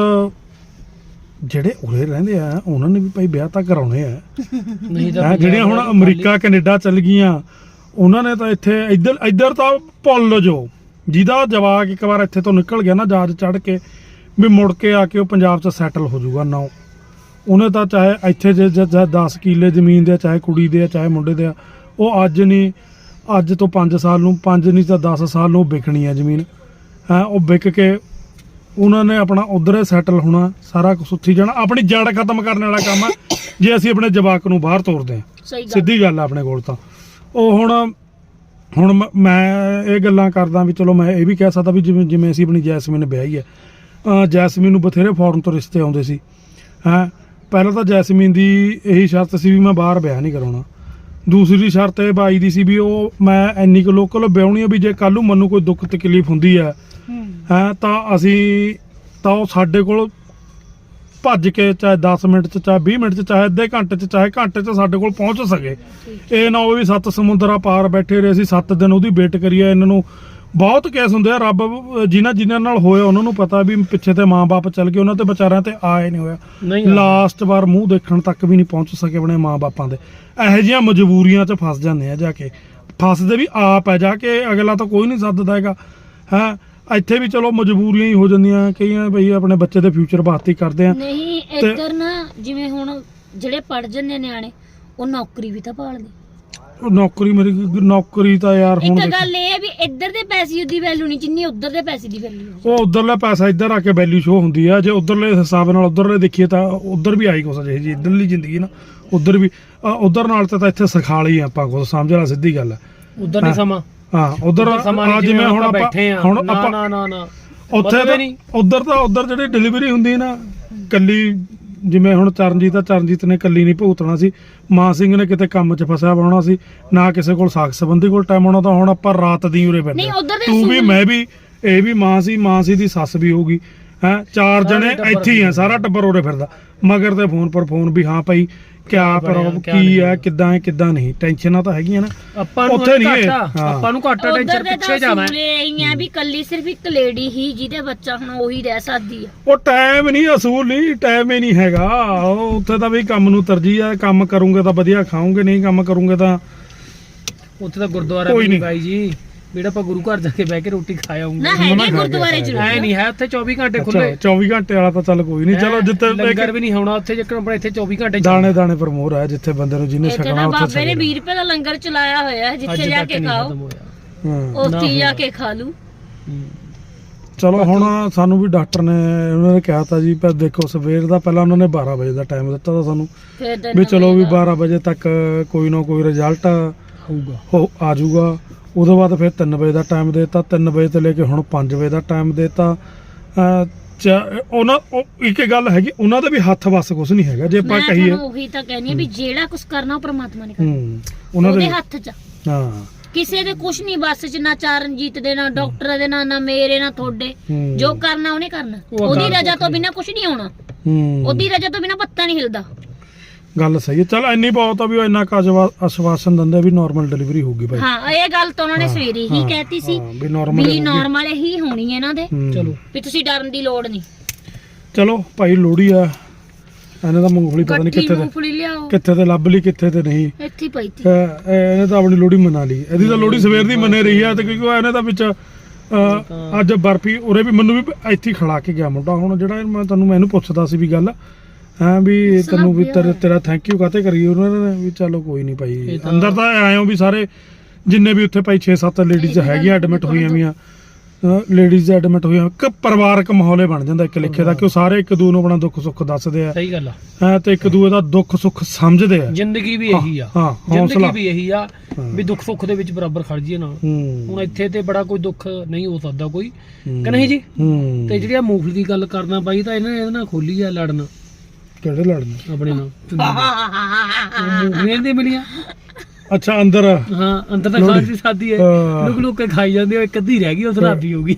ਜਿਹੜੇ ਉਰੇ ਰਹਿੰਦੇ ਆ ਉਹਨਾਂ ਨੇ ਵੀ ਭਾਈ ਵਿਆਹ ਤਾਂ ਕਰਾਉਣੇ ਆ ਜਿਹੜੀਆਂ ਹੁਣ ਅਮਰੀਕਾ ਕੈਨੇਡਾ ਚੱਲ ਗਈਆਂ ਉਹਨਾਂ ਨੇ ਤਾਂ ਇੱਥੇ ਇੱਧਰ ਤਾਂ ਭੁੱਲ ਜੋ ਜਿਹਦਾ ਜਵਾਕ ਇੱਕ ਵਾਰ ਇੱਥੇ ਤੋਂ ਨਿਕਲ ਗਿਆ ਨਾ ਜਹਾਜ਼ ਚੜ੍ਹ ਕੇ ਵੀ ਮੁੜ ਕੇ ਆ ਕੇ ਉਹ ਪੰਜਾਬ 'ਚ ਸੈਟਲ ਹੋ ਜਾਊਗਾ ਨਾ ਉਹਨੇ ਤਾਂ ਚਾਹੇ ਇੱਥੇ ਜੇ 10 ਕਿੱਲੇ ਜ਼ਮੀਨ ਦੇ ਚਾਹੇ ਕੁੜੀ ਦੇ ਚਾਹੇ ਮੁੰਡੇ ਦੇ ਉਹ ਅੱਜ ਤੋਂ 5 ਸਾਲ ਨੂੰ 5 ਨਹੀਂ ਤਾਂ 10 ਸਾਲ ਨੂੰ ਵਿਕਣੀ ਆ ਜ਼ਮੀਨ ਉਹ ਵਿਕ ਕੇ ਉਹਨਾਂ ਨੇ ਆਪਣਾ ਉਧਰ ਸੈਟਲ ਹੋਣਾ ਸਾਰਾ ਕੁਝ ਉੱਥੀ ਜਾਣਾ ਆਪਣੀ ਜੜ ਖਤਮ ਕਰਨ ਵਾਲਾ ਕੰਮ ਆ ਜੇ ਅਸੀਂ ਆਪਣੇ ਜਵਾਕ ਨੂੰ ਬਾਹਰ ਤੋਰਦੇ ਹਾਂ ਸਿੱਧੀ ਗੱਲ ਆ ਆਪਣੇ ਕੋਲ ਤਾਂ ਉਹ ਹੁਣ ਮੈਂ ਇਹ ਗੱਲਾਂ ਕਰਦਾ ਵੀ ਚਲੋ ਮੈਂ ਇਹ ਵੀ ਕਹਿ ਸਕਦਾ ਵੀ ਜਿਵੇਂ ਅਸੀਂ ਆਪਣੀ ਜੈਸਮੀਨ ਵਿਆਹੀ ਹੈ ਜੈਸਮੀਨ ਨੂੰ ਬਥੇਰੇ ਫੋਰਨ ਤੋਂ ਰਿਸ਼ਤੇ ਆਉਂਦੇ ਸੀ ਪਹਿਲਾਂ ਤਾਂ ਜੈਸਮੀਨ ਦੀ ਇਹੀ ਸ਼ਰਤ ਸੀ ਵੀ ਮੈਂ ਬਾਹਰ ਵਿਆਹ ਨਹੀਂ ਕਰਾਉਣਾ ਦੂਸਰੀ ਸ਼ਰਤ ਇਹ ਬਾਈ ਦੀ ਸੀ ਵੀ ਉਹ ਮੈਂ ਇੰਨੀ ਕੁ ਲੋਕਲ ਵਿਆਹੁਣੀ ਆ ਵੀ ਜੇ ਕੱਲ ਨੂੰ ਮੈਨੂੰ ਕੋਈ ਦੁੱਖ ਤਕਲੀਫ ਹੁੰਦੀ ਆ ਹੈ ਤਾਂ ਅਸੀਂ ਤਾਂ ਉਹ ਸਾਡੇ ਕੋਲ ਭੱਜ ਕੇ ਚਾਹੇ 10 ਮਿੰਟ ਚ ਚਾਹੇ 20 ਮਿੰਟ ਚ ਚਾਹੇ ਅੱਧੇ ਘੰਟੇ ਚ ਚਾਹੇ ਘੰਟੇ ਚ ਸਾਡੇ ਕੋਲ ਪਹੁੰਚ ਸਕੇ। ਇਹ ਨਾ ਹੋਵੇ ਵੀ 7 ਸਮੁੰਦਰਾਂ ਪਾਰ ਬੈਠੇ ਰਹੇ ਅਸੀਂ 7 ਦਿਨ ਉਹਦੀ ਵੇਟ ਕਰੀਏ। ਇਹਨਾਂ ਨੂੰ ਬਹੁਤ ਕੇਸ ਹੁੰਦੇ ਆ, ਰੱਬ ਜਿਨ੍ਹਾਂ ਨਾਲ ਹੋਇਆ ਉਹਨਾਂ ਨੂੰ ਪਤਾ ਵੀ ਪਿੱਛੇ ਤੇ ਮਾਂ-ਬਾਪ ਚੱਲ ਗਏ, ਉਹਨਾਂ ਤੇ ਵਿਚਾਰਿਆਂ ਤੇ ਆਏ ਨਹੀਂ ਹੋਇਆ, ਲਾਸਟ ਵਾਰ ਮੂੰਹ ਦੇਖਣ ਤੱਕ ਵੀ ਨਹੀਂ ਪਹੁੰਚ ਸਕੇ ਆਪਣੇ ਮਾਂ-ਬਾਪਾਂ ਦੇ। ਇਹੋ ਜਿਹੀਆਂ ਮਜਬੂਰੀਆਂ 'ਚ ਫਸ ਜਾਂਦੇ ਆ, ਜਾ ਕੇ ਫਸਦੇ ਵੀ ਆਪ ਹੈ, ਜਾ ਕੇ ਅਗਲਾ ਤਾਂ ਕੋਈ ਨਹੀਂ ਸੱਦਦਾ ਹੈਗਾ ਹੈ। ਇੱਥੇ ਵੀ ਚਲੋ ਮਜਬੂਰੀਆਂ ਹੀ ਹੋ ਜਾਂਦੀਆਂ ਕਈਆਂ, ਬਈ ਆਪਣੇ ਬੱਚੇ ਦੇ ਫਿਊਚਰ ਵਾਸਤੇ ਹੀ ਕਰਦੇ ਆ। ਨਹੀਂ ਇੱਧਰ ਨਾ ਜਿਵੇਂ ਹੁਣ ਜਿਹੜੇ ਪੜ ਜਾਂਦੇ ਨਿਆਣੇ ਉਹ ਨੌਕਰੀ ਵੀ ਤਾਂ ਭਾਲਦੇ। ਨੌਕਰੀ ਤਾਂ ਯਾਰ ਹੁਣ ਇੱਕ ਗੱਲ ਇਹ ਹੈ ਵੀ ਇੱਧਰ ਦੇ ਪੈਸੇ ਦੀ ਵੈਲਿਊ ਨਹੀਂ ਜਿੰਨੀ ਉੱਧਰ ਦੇ ਪੈਸੇ ਦੀ ਵੈਲਿਊ। ਉਹ ਉਧਰਲਾ ਪੈਸਾ ਇੱਧਰ ਆ ਕੇ ਵੈਲਿਊ ਸ਼ੋ ਹੁੰਦੀ ਆ। ਜੇ ਉਧਰਲੇ ਹਿਸਾਬ ਨਾਲ ਉਧਰਲੇ ਦੇਖੀਏ ਤਾਂ ਉਧਰ ਵੀ ਆਈ ਕੁਛ ਜੀ ਇੱਧਰਲੀ ਜ਼ਿੰਦਗੀ ਨਾ ਉਧਰ ਵੀ ਉਧਰ ਨਾਲ ਤਾਂ ਇੱਥੇ ਸਿਖਾਲੀ ਆਪਾਂ ਕੁਛ, ਸਮਝ ਲਾ ਸਿੱਧੀ ਗੱਲ ਹੈ। ਉਧਰ ਨਹੀਂ ਸਮਾਂ, ਹਾਂ ਉਧਰ ਜਿਵੇਂ ਹੁਣ ਆਪਾਂ ਨਾ ਉੱਥੇ ਤਾਂ ਉਧਰ ਜਿਹੜੀ ਡਿਲੀਵਰੀ ਹੁੰਦੀ ਹੈ ਨਾ ਕੱਲੀ, ਜਿਵੇਂ ਹੁਣ ਚਰਨਜੀਤ ਨੇ ਕੱਲੀ ਨਹੀਂ ਭੁਗਤਣਾ ਸੀ, ਮਾਂ ਸਿੰਘ ਨੇ ਕਿਤੇ ਕੰਮ 'ਚ ਫਸਿਆ ਹੋਣਾ ਸੀ, ਨਾ ਕਿਸੇ ਕੋਲ ਸਾਖ ਸੰਬੰਧੀ ਕੋਲ ਟਾਈਮ ਹੋਣਾ, ਤਾਂ ਹੁਣ ਆਪਾਂ ਰਾਤ ਦੀ ਉਰੇ ਬੈਠੇ ਤੂੰ ਵੀ ਮੈਂ ਵੀ ਇਹ ਵੀ ਮਾਂ ਸੀ ਦੀ ਸੱਸ ਵੀ ਹੋਊਗੀ ਹੈ, 4 ਜਣੇ ਇੱਥੇ ਹੀ ਆ, ਸਾਰਾ ਟੱਬਰ ਉਰੇ ਫਿਰਦਾ ਮਗਰ ਤੇ ਫੋਨ ਪਰ ਫੋਨ ਵੀ ਹਾਂ ਭਾਈ ਕਿਆ ਪ੍ਰੋਬਲਮ ਕੀ ਹੈ, ਕਿੱਦਾਂ ਨਹੀਂ, ਟੈਨਸ਼ਨਾਂ ਤਾਂ ਹੈਗੀਆਂ ਨਾ ਆਪਾਂ ਨੂੰ। ਉੱਥੇ ਨਹੀਂ ਆਪਾਂ ਨੂੰ ਘੱਟ ਟੈਨਸ਼ਨ ਪਿੱਛੇ ਜਾਣਾ ਹੈ ਵੀ ਕੱਲੀ ਸਿਰਫ ਇੱਕ ਲੇਡੀ ਹੀ ਜਿਹਦੇ ਬੱਚਾ ਹੁਣ ਉਹੀ ਰਹਿ ਸਕਦੀ ਆ। ਉਹ ਟਾਈਮ ਨਹੀਂ, ਅਸੂਲ ਨਹੀਂ, ਟਾਈਮ ਹੀ ਨਹੀਂ ਹੈਗਾ ਉੱਥੇ ਤਾਂ ਵੀ ਕੰਮ ਨੂੰ ਤਰਜੀਹ ਆ, ਕੰਮ ਕਰੂੰਗੇ ਤਾਂ ਵਧੀਆ ਖਾਉਂਗੇ, ਨਹੀਂ ਕੰਮ ਕਰੂੰਗੇ ਤਾਂ ਉੱਥੇ ਤਾਂ ਗੁਰਦੁਆਰਾ ਵੀ ਬਾਈ ਜੀ ਜਿਹੜਾ ਆਪਾਂ ਗੁਰੂ ਘਰ ਜਾ ਕੇ ਬਹਿ ਕੇ ਰੋਟੀ ਖਾ ਆਉਂਗੇ ਨਾ, ਹੈਗੇ ਗੁਰਦੁਆਰੇ ਜ਼ਰੂਰ ਐ ਨਹੀਂ ਹੈ ਉੱਥੇ 24 ਘੰਟੇ ਖੁੱਲੇ। 24 ਘੰਟੇ ਵਾਲਾ ਤਾਂ ਚੱਲ ਕੋਈ ਨਹੀਂ, ਚਲੋ ਜਿੱਥੇ ਲੰਗਰ ਵੀ ਨਹੀਂ ਹੋਣਾ ਉੱਥੇ, ਜੇਕਰ ਆਪਣਾ ਇੱਥੇ 24 ਘੰਟੇ ਦਾਣੇ ਪਰ ਮੋਹਰ ਹੈ, ਜਿੱਥੇ ਬੰਦੇ ਨੂੰ ਜਿਹਨੇ ਛਕਣਾ ਉੱਥੇ ਬਾਬੇ ਨੇ 20 ਰੁਪਏ ਦਾ ਲੰਗਰ ਚਲਾਇਆ ਹੋਇਆ ਹੈ, ਜਿੱਥੇ ਜਾ ਕੇ ਖਾਓ ਉੱਥੇ ਜਾ ਕੇ ਖਾ ਲੂ। ਚਲੋ ਹੁਣ ਸਾਨੂੰ ਵੀ ਡਾਕਟਰ ਨੇ ਉਹਨਾਂ ਨੇ ਕਿਹਾ ਤਾਂ ਜੀ, ਪਰ ਦੇਖੋ ਸਵੇਰ ਦਾ ਪਹਿਲਾਂ ਉਹਨਾਂ ਨੇ 12 ਵਜੇ ਦਾ ਟਾਈਮ ਦਿੱਤਾ ਤਾਂ ਸਾਨੂੰ ਵੀ ਚਲੋ ਵੀ 12 ਵਜੇ ਤੱਕ ਕੋਈ ਨਾ ਕੋਈ ਰਿਜ਼ਲਟ ਹੋਊਗਾ ਆ ਜਾਊਗਾ। ਉਹਦੇ ਬਾਅਦ ਫਿਰ 3 ਵਜੇ ਦਾ ਟਾਈਮ ਦੇਤਾ, 3 ਵਜੇ ਤੋਂ ਲੈ ਕੇ ਹੁਣ 5 ਵਜੇ ਦਾ ਟਾਈਮ ਦੇਤਾ। ਉਹਨਾਂ ਇੱਕ ਗੱਲ ਹੈਗੀ, ਉਹਨਾਂ ਦਾ ਵੀ ਹੱਥ ਵੱਸ ਕੁਛ ਨਹੀਂ ਹੈਗਾ ਜੇ ਆਪਾਂ ਕਹੀਏ। ਉਹੀ ਤਾਂ ਕਹਿੰਦੀ ਆ ਵੀ ਜਿਹੜਾ ਕੁਝ ਕਰਨਾ ਉਹ ਪ੍ਰਮਾਤਮਾ ਨੇ ਕਰਨਾ, ਉਹਨਾਂ ਦੇ ਹੱਥ 'ਚ। ਹਾਂ ਕਿਸੇ ਦੇ ਕੁਝ ਨਹੀਂ ਬੱਸ 'ਚ, ਨਾ ਚਰਨਜੀਤ ਦੇ, ਨਾ ਡਾਕਟਰ ਦੇ, ਨਾ ਮੇਰੇ, ਨਾ ਤੁਹਾਡੇ। ਜੋ ਕਰਨਾ ਉਹਨੇ ਕਰਨਾ, ਉਹਦੀ ਰਜ਼ਾ ਤੋਂ ਬਿਨਾ ਕੁਝ ਨਹੀਂ ਹੋਣਾ, ਉਹਦੀ ਰਜ਼ਾ ਤੋਂ ਬਿਨਾ ਪੱਤਾ ਨਹੀਂ ਹਿਲਦਾ। ਗੱਲ ਸਹੀ ਹੈ। ਚਲ ਇੰਨੀ ਬਹੁਤ ਆ ਵੀ ਉਹ ਇੰਨਾ ਆਸ਼ਵਾਸਨ ਦਿੰਦੇ ਵੀ ਨਾਰਮਲ ਡਿਲੀਵਰੀ ਹੋਊਗੀ ਭਾਈ। ਹਾਂ ਇਹ ਗੱਲ ਤਾਂ ਉਹਨਾਂ ਨੇ ਸਵੇਰੇ ਹੀ ਕਹਿਤੀ ਸੀ ਵੀ ਨਾਰਮਲ ਹੀ ਹੋਣੀ ਹੈ ਇਹਨਾਂ ਦੇ, ਚਲੋ ਵੀ ਤੁਸੀਂ ਡਰਨ ਦੀ ਲੋੜ ਨਹੀਂ। ਚਲੋ ਭਾਈ ਲੋਹੜੀ ਆ, ਇਹਨਾਂ ਦਾ ਮੂੰਗਫਲੀ ਪਤਾ ਨਹੀਂ ਕਿੱਥੇ ਤੇ ਲੱਭ ਲਈ, ਕਿੱਥੇ ਤੇ ਨਹੀਂ, ਇੱਥੇ ਪਈ ਸੀ। ਇਹਨੇ ਤਾਂ ਆਪਣੀ ਲੋਹੜੀ ਮਨਾ ਲਈ, ਇਹਦੀ ਤਾਂ ਲੋਹੜੀ ਸਵੇਰ ਦੀ ਮੰਨੇ ਰਹੀ ਆ, ਤੇ ਕਿਉਂਕਿ ਇਹਨੇ ਤਾਂ ਵਿੱਚ ਅੱਜ ਬਰਫੀ ਉਰੇ ਵੀ ਮੈਨੂੰ ਵੀ ਇੱਥੇ ਖੜਾ ਕੇ ਗਿਆ ਮੁੰਡਾ। ਹੁਣ ਜਿਹੜਾ ਮੈਂ ਇਹਨੂੰ ਪੁੱਛਦਾ ਸੀ ਵੀ ਗੱਲ ਹਾਂ ਵੀ ਤੈਨੂੰ ਵੀ ਤੇਰਾ ਥੈਂਕ ਯੂ ਕਾਤੇ ਕਰੀ ਉਹਨਾਂ ਨੇ ਵੀ ਚਲੋ ਕੋਈ ਨਹੀਂ ਭਾਈ। ਅੰਦਰ ਤਾਂ ਆਏ ਹੋ ਵੀ ਸਾਰੇ ਜਿੰਨੇ ਵੀ ਉੱਥੇ ਭਾਈ 6-7 ਲੇਡੀਜ਼ ਹੈਗੀਆਂ ਐਡਮਿਟ ਹੋਈਆਂ ਵੀਆਂ, ਲੇਡੀਜ਼ ਐਡਮਿਟ ਹੋਈਆਂ, ਇੱਕ ਪਰਿਵਾਰਕ ਮਾਹੌਲ ਬਣ ਜਾਂਦਾ ਇੱਕ ਲਿਖੇ ਦਾ, ਕਿ ਉਹ ਸਾਰੇ ਇੱਕ ਦੂਜੇ ਨੂੰ ਆਪਣਾ ਦੁੱਖ ਸੁੱਖ ਦੱਸਦੇ ਆ। ਸਹੀ ਗੱਲ ਆ ਤੇ ਇੱਕ ਦੂਜੇ ਦਾ ਦੁੱਖ ਸੁੱਖ ਸਮਝਦੇ ਆ। ਜ਼ਿੰਦਗੀ ਵੀ ਇਹੀ ਆ, ਜ਼ਿੰਦਗੀ ਵੀ ਇਹੀ ਆ ਵੀ ਦੁੱਖ ਸੁੱਖ ਦੇ ਵਿੱਚ ਬਰਾਬਰ ਖੜ ਜੀਏ ਨਾਲ। ਹੁਣ ਇੱਥੇ ਤੇ ਬੜਾ ਕੋਈ ਦੁੱਖ ਨਹੀਂ ਹੋ ਸਕਦਾ ਕੋਈ, ਕਿ ਨਹੀਂ ਜੀ। ਤੇ ਜਿਹੜੀ ਆ ਮੂੰਗਫਲੀ ਦੀ ਗੱਲ ਕਰਨਾ ਬਾਈ, ਤਾਂ ਇਹਦੇ ਨਾਲ ਖੋਲੀ ਆ ਲੜਨ। ਕਿਹੜੇ ਲੜਨ? ਆਪਣੇ ਨਾਲ ਮੂੰਗਫਲੀਆਂ ਦੀ ਮਿਲੀਆਂ। ਅੱਛਾ ਅੰਦਰ, ਹਾਂ ਅੰਦਰ ਤਾਂ ਖਾਣ ਦੀ ਸਾਦੀ ਹੈ, ਲੁਕ ਕੇ ਖਾਈ ਜਾਂਦੇ ਹੋ, ਇੱਕ ਅੱਧੀ ਰਹਿ ਗਈ ਉਹ ਸਲਾਬੀ ਹੋਊਗੀ।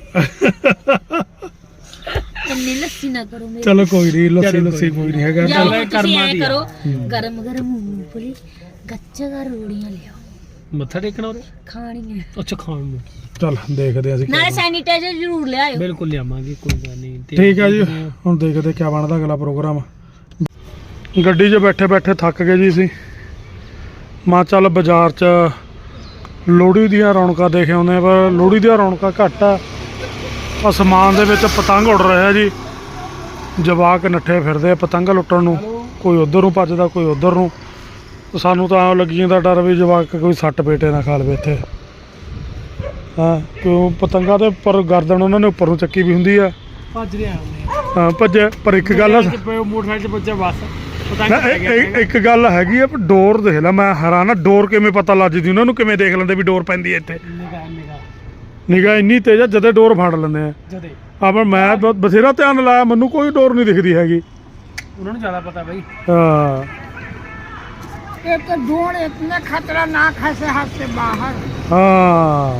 ਇੰਨੀ ਲੱਸੀ ਨਾ ਕਰੋ ਮੇਰੇ। ਚਲੋ ਕੋਈ ਨਹੀਂ, ਲੱਸੀ ਕੋਈ ਨਹੀਂ ਹੈਗਾ। ਕਰਮਾਂ ਦੀ ਕਰੋ, ਗਰਮ ਮੂੰਗਫਲੀ ਗੱਚਾ ਰੋੜੀਆਂ ਲਿਆਓ, ਮੱਥਾ ਟੇਕਣਾ ਉਹਦੇ ਖਾਣੀਆਂ। ਅੱਛਾ ਖਾਣ ਨੂੰ, ਚਲ ਦੇਖਦੇ ਅਸੀਂ। ਨਾਲੇ ਸੈਨੀਟਾਈਜ਼ਰ ਜ਼ਰੂਰ ਲਿਆਇਓ। ਬਿਲਕੁਲ ਲਿਆਵਾਂਗੇ, ਕੋਈ ਗੱਲ ਨਹੀਂ। ਠੀਕ ਹੈ ਜੀ, ਹੁਣ ਦੇਖਦੇ ਕਿਆ ਬਣਦਾ ਅਗਲਾ ਪ੍ਰੋਗਰਾਮ। ਗੱਡੀ 'ਚ ਬੈਠੇ ਥੱਕ ਗਏ ਜੀ ਅਸੀਂ, ਮਾਂ ਚੱਲ ਬਾਜ਼ਾਰ 'ਚ ਲੋਹੜੀ ਦੀਆਂ ਰੌਣਕਾਂ ਦੇਖ ਆਉਂਦੇ, ਪਰ ਲੋਹੜੀ ਦੀਆਂ ਰੌਣਕਾਂ ਘੱਟ ਆ। ਅਸਮਾਨ ਦੇ ਵਿੱਚ ਪਤੰਗ ਉੱਡ ਰਿਹਾ ਜੀ, ਜਵਾਕ ਨੱਠੇ ਫਿਰਦੇ ਆ ਪਤੰਗ ਲੁੱਟਣ ਨੂੰ, ਕੋਈ ਉਧਰ ਨੂੰ ਭੱਜਦਾ ਕੋਈ ਉਧਰ ਨੂੰ। ਸਾਨੂੰ ਤਾਂ ਲੱਗੀ ਜਾਂਦਾ ਡਰ ਵੀ ਜਵਾਕ ਕੋਈ ਸੱਟ ਪੇਟੇ ਨਾ ਖਾ ਲਵੇ ਇੱਥੇ। ਹਾਂ ਕਿਉਂ ਪਤੰਗਾਂ ਦੇ ਉੱਪਰ ਗਰਦਨ ਉਹਨਾਂ ਨੇ ਉੱਪਰ ਨੂੰ ਚੱਕੀ ਵੀ ਹੁੰਦੀ ਆ, ਭੱਜ ਰਿਹਾ ਹਾਂ ਭੱਜੇ। ਪਰ ਇੱਕ ਗੱਲ ਮੋਟਰਸਾਈਕਲ 'ਚ ਭੱਜਿਆ ਬਸ। ਇੱਕ ਗੱਲ ਹੈਗੀ ਆ, ਡੋਰ ਦੇਖ ਲੈ, ਮੈਂ ਹੈਰਾਨ ਆ ਡੋਰ ਕਿਵੇਂ ਪਤਾ ਲੱਜਦੀ ਉਹਨਾਂ ਨੂੰ, ਕਿਵੇਂ ਦੇਖ ਲੈਂਦੇ ਵੀ ਡੋਰ ਪੈਂਦੀ ਹੈ ਇੱਥੇ। ਨਿਗਾਹ ਇੰਨੀ ਤੇਜ਼ ਆ, ਜਦੇ ਡੋਰ ਫੜ ਲੈਂਦੇ ਆ। ਪਰ ਮੈਂ ਬਥੇਰਾ ਧਿਆਨ ਲਾਇਆ, ਮੈਨੂੰ ਕੋਈ ਡੋਰ ਨਹੀਂ ਦਿਖਦੀ ਹੈਗੀ। ਉਹਨਾਂ ਨੂੰ ਜ਼ਿਆਦਾ ਪਤਾ ਬਾਈ। ਹਾਂ एक तो ढूंढ इतने खतरनाक है शहर से बाहर। हाँ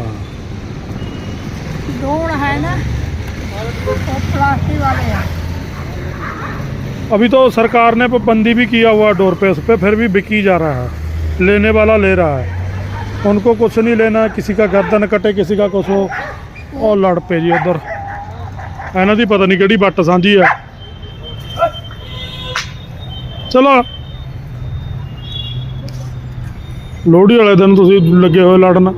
ढूंढ है ना वो प्लास्टिक वाले हैं। अभी तो सरकार ने पाबंदी भी किया हुआ डोर पे, उस पे फिर भी बिकी जा रहा है, लेने वाला ले रहा है, उनको कुछ नहीं लेना, किसी का गर्दन कटे किसी का कुछ हो। और लड़ पे जी उधर ਇਹਨਾਂ ਦੀ ਪਤਾ ਨਹੀਂ ਕਿਹੜੀ ਵੱਟ ਸਾਂਝੀ ਆ। ਚਲੋ ਲੋਹੜੀ ਵਾਲੇ ਦਿਨ ਤੁਸੀਂ ਲੱਗੇ ਹੋਏ ਲੜਨ।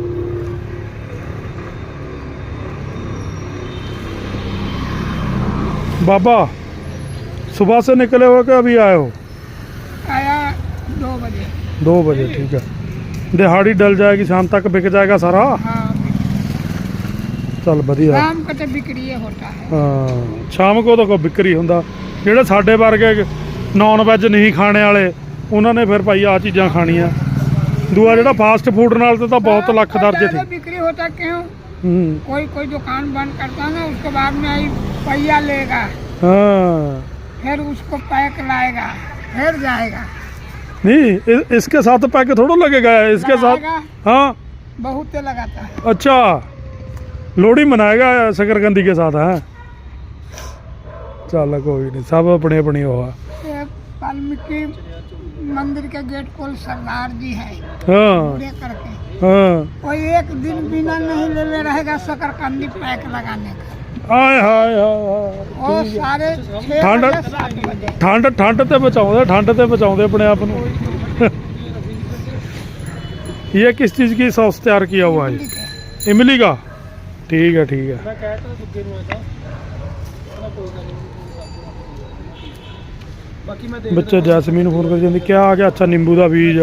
बाबा सुबह से निकले हो कि अभी आए हो? आया 2 बजे। 2 बजे, ठीक है। दिहाड़ी डल जाएगी, शाम तक बिक जाएगा सारा। हाँ चल बढ़िया। शाम को तो बिक्री होता है। हाँ शाम को तो कोई बिक्री ਹੁੰਦਾ ਜਿਹੜੇ ਸਾਡੇ ਵਰਗੇ ਨੌਨ ਵੈਜ ਨਹੀਂ ਖਾਣੇ ਵਾਲੇ ਉਹਨਾਂ ਨੇ ਫਿਰ ਭਾਈ ਆ ਚੀਜ਼ਾਂ ਖਾਣੀਆਂ। ਦੂਆ ਜਿਹੜਾ ਫਾਸਟ ਫੂਡ ਨਾਲ ਤਾਂ ਬਹੁਤ ਲੱਖ ਦਰਜੇ तो थे। बिक्री होता क्यों? कोई दुकान बंद करता ना, उसके बाद में आई पहिया लेगा, हाँ फिर उसको पैक लाएगा, फिर जाएगा। नहीं इसके साथ पैक थोड़ा लगेगा, इसके साथ लगाएगा, हाँ बहुत लगाता है। अच्छा लोहड़ी मनाएगा शकरकंदी के साथ है। चल कोई नहीं, सब अपने अपनी हुआ। ये वाल्मीकि मंदिर के गेट को सरदार जी है हाँ पूरे करके, हाँ कोई एक दिन बिना नहीं ले रहेगा शकरकंदी पैक लगाने का। हाय हाय हाय वो सारे 6 ठंड बजे 7 बजे ਠੰਡ ਠੰਡ ਤੇ ਬਚਾਉਂਦੇ ਆਪਣੇ ਆਪ ਨੂੰ। ये किस चीज़ की सॉस तैयार किया हुआ है? इमली का, ठीक है ठीक है। ਮੈਂ ਕਹਿ ਤਾ ਦੁੱਗੇ ਨੂੰ ਇਹਦਾ ਕੋਈ ਗੱਲ ਨਹੀਂ। ਬਾਕੀ ਮੈਂ बच्चे जैसमीन फोन कर जाती क्या आ गया? अच्छा नींबू का बीज,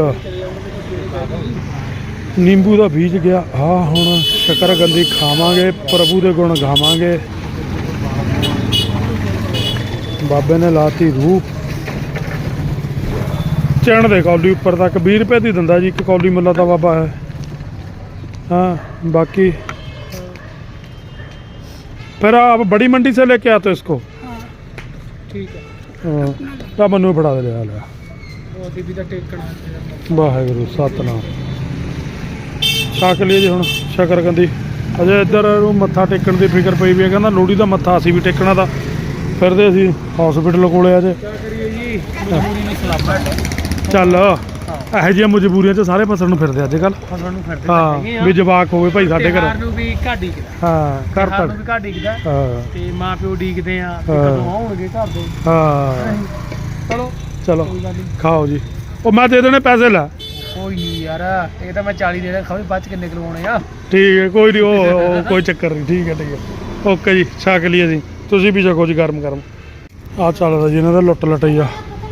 नींबू का बीज गया। हाँ हुण शकरकंदी खावांगे, प्रभु के गुण गावांगे। बाबे ने लाती रूह चैन दे कौली उपर तक 20 रुपए की दिंदा जी, एक कौली मुला तो बाबा है। हाँ बाकी फिर आप बड़ी मंडी से लेके आते हो इसको? ਠੀਕ ਹੈ। ਤਾਂ ਮੈਨੂੰ ਫੜਾ ਦੇ ਲਿਆ ਲਿਆ। ਉਹ ਬੀਬੀ ਦਾ ਟੇਕਣਾ ਵਾਹਿਗੁਰੂ ਸਤਨਾਮ। ਛਕ ਲਈ ਜੀ ਹੁਣ ਸ਼ਕਰਕੰਦੀ। ਅਜੇ ਇੱਧਰ ਨੂੰ ਮੱਥਾ ਟੇਕਣ ਦੀ ਫਿਕਰ ਪਈ ਵੀ ਹੈ, ਕਹਿੰਦਾ ਲੋਹੜੀ ਦਾ ਮੱਥਾ ਅਸੀਂ ਵੀ ਟੇਕਣਾ। ਤਾਂ ਫਿਰਦੇ ਅਸੀਂ ਹਸਪੀਟਲ ਕੋਲੇ ਅਜੇ। ਕੀ ਕਰੀਏ ਜੀ, ਮਜਬੂਰੀ ਨਾਲ ਸਲਾਮਤ। ਚੱਲ ਇਹੋ ਜਿਹੀਆਂ ਮਜਬੂਰੀਆਂ 'ਚ ਸਾਰੇ ਫਸਣ ਨੂੰ ਫਿਰਦੇ ਅੱਜ ਕੱਲ੍ਹ। ਫਸਲ ਨੂੰ ਫਿਰਦੇ ਹਾਂ ਵੀ ਜਵਾਕ ਹੋਵੇ ਭਾਈ ਸਾਡੇ ਘਰ। ਨੂੰ ਵੀ ਘਰ ਡੀਕਦਾ, ਹਾਂ ਘਰ ਨੂੰ ਤੱਕ ਵੀ ਘਰ ਡੀਕਦਾ ਹਾਂ ਤੇ ਮਾਂ ਪਿਓ ਡੀਕਦੇ ਆ ਕਿ ਹਾਂ। ਕਦੋਂ ਆਉਣਗੇ ਘਰ ਦੇ। ਹਾਂ ਚਲੋ ਚਲੋ ਕੋਈ ਗੱਲ ਨਹੀਂ, ਖਾਓ ਜੀ। ਉਹ ਮੈਂ ਦੇ ਦੇਣੇ ਪੈਸੇ ਲੈ। ਕੋਈ ਨਹੀਂ ਯਾਰ, ਇਹ ਤਾਂ ਮੈਂ 40 ਦੇ ਦੇਣਾ, ਖਾਵੇ ਬਾਅਦ ਚ ਕਿੰਨੇ ਕਰਵਾਉਣੇ ਆ। ਠੀਕ ਹੈ ਕੋਈ ਨਹੀਂ, ਉਹ ਕੋਈ ਚੱਕਰ ਨਹੀਂ। ਠੀਕ ਹੈ ਠੀਕ ਹੈ ਓਕੇ ਜੀ, ਛਕ ਲਈਏ ਜੀ। ਤੁਸੀਂ ਵੀ ਛਕੋ ਜੀ ਗਰਮ ਗਰਮ। ਆ ਚੱਲਦਾ ਜੀ ਇਹਨਾਂ ਦਾ ਲੁੱਟ ਲਟਈਆ।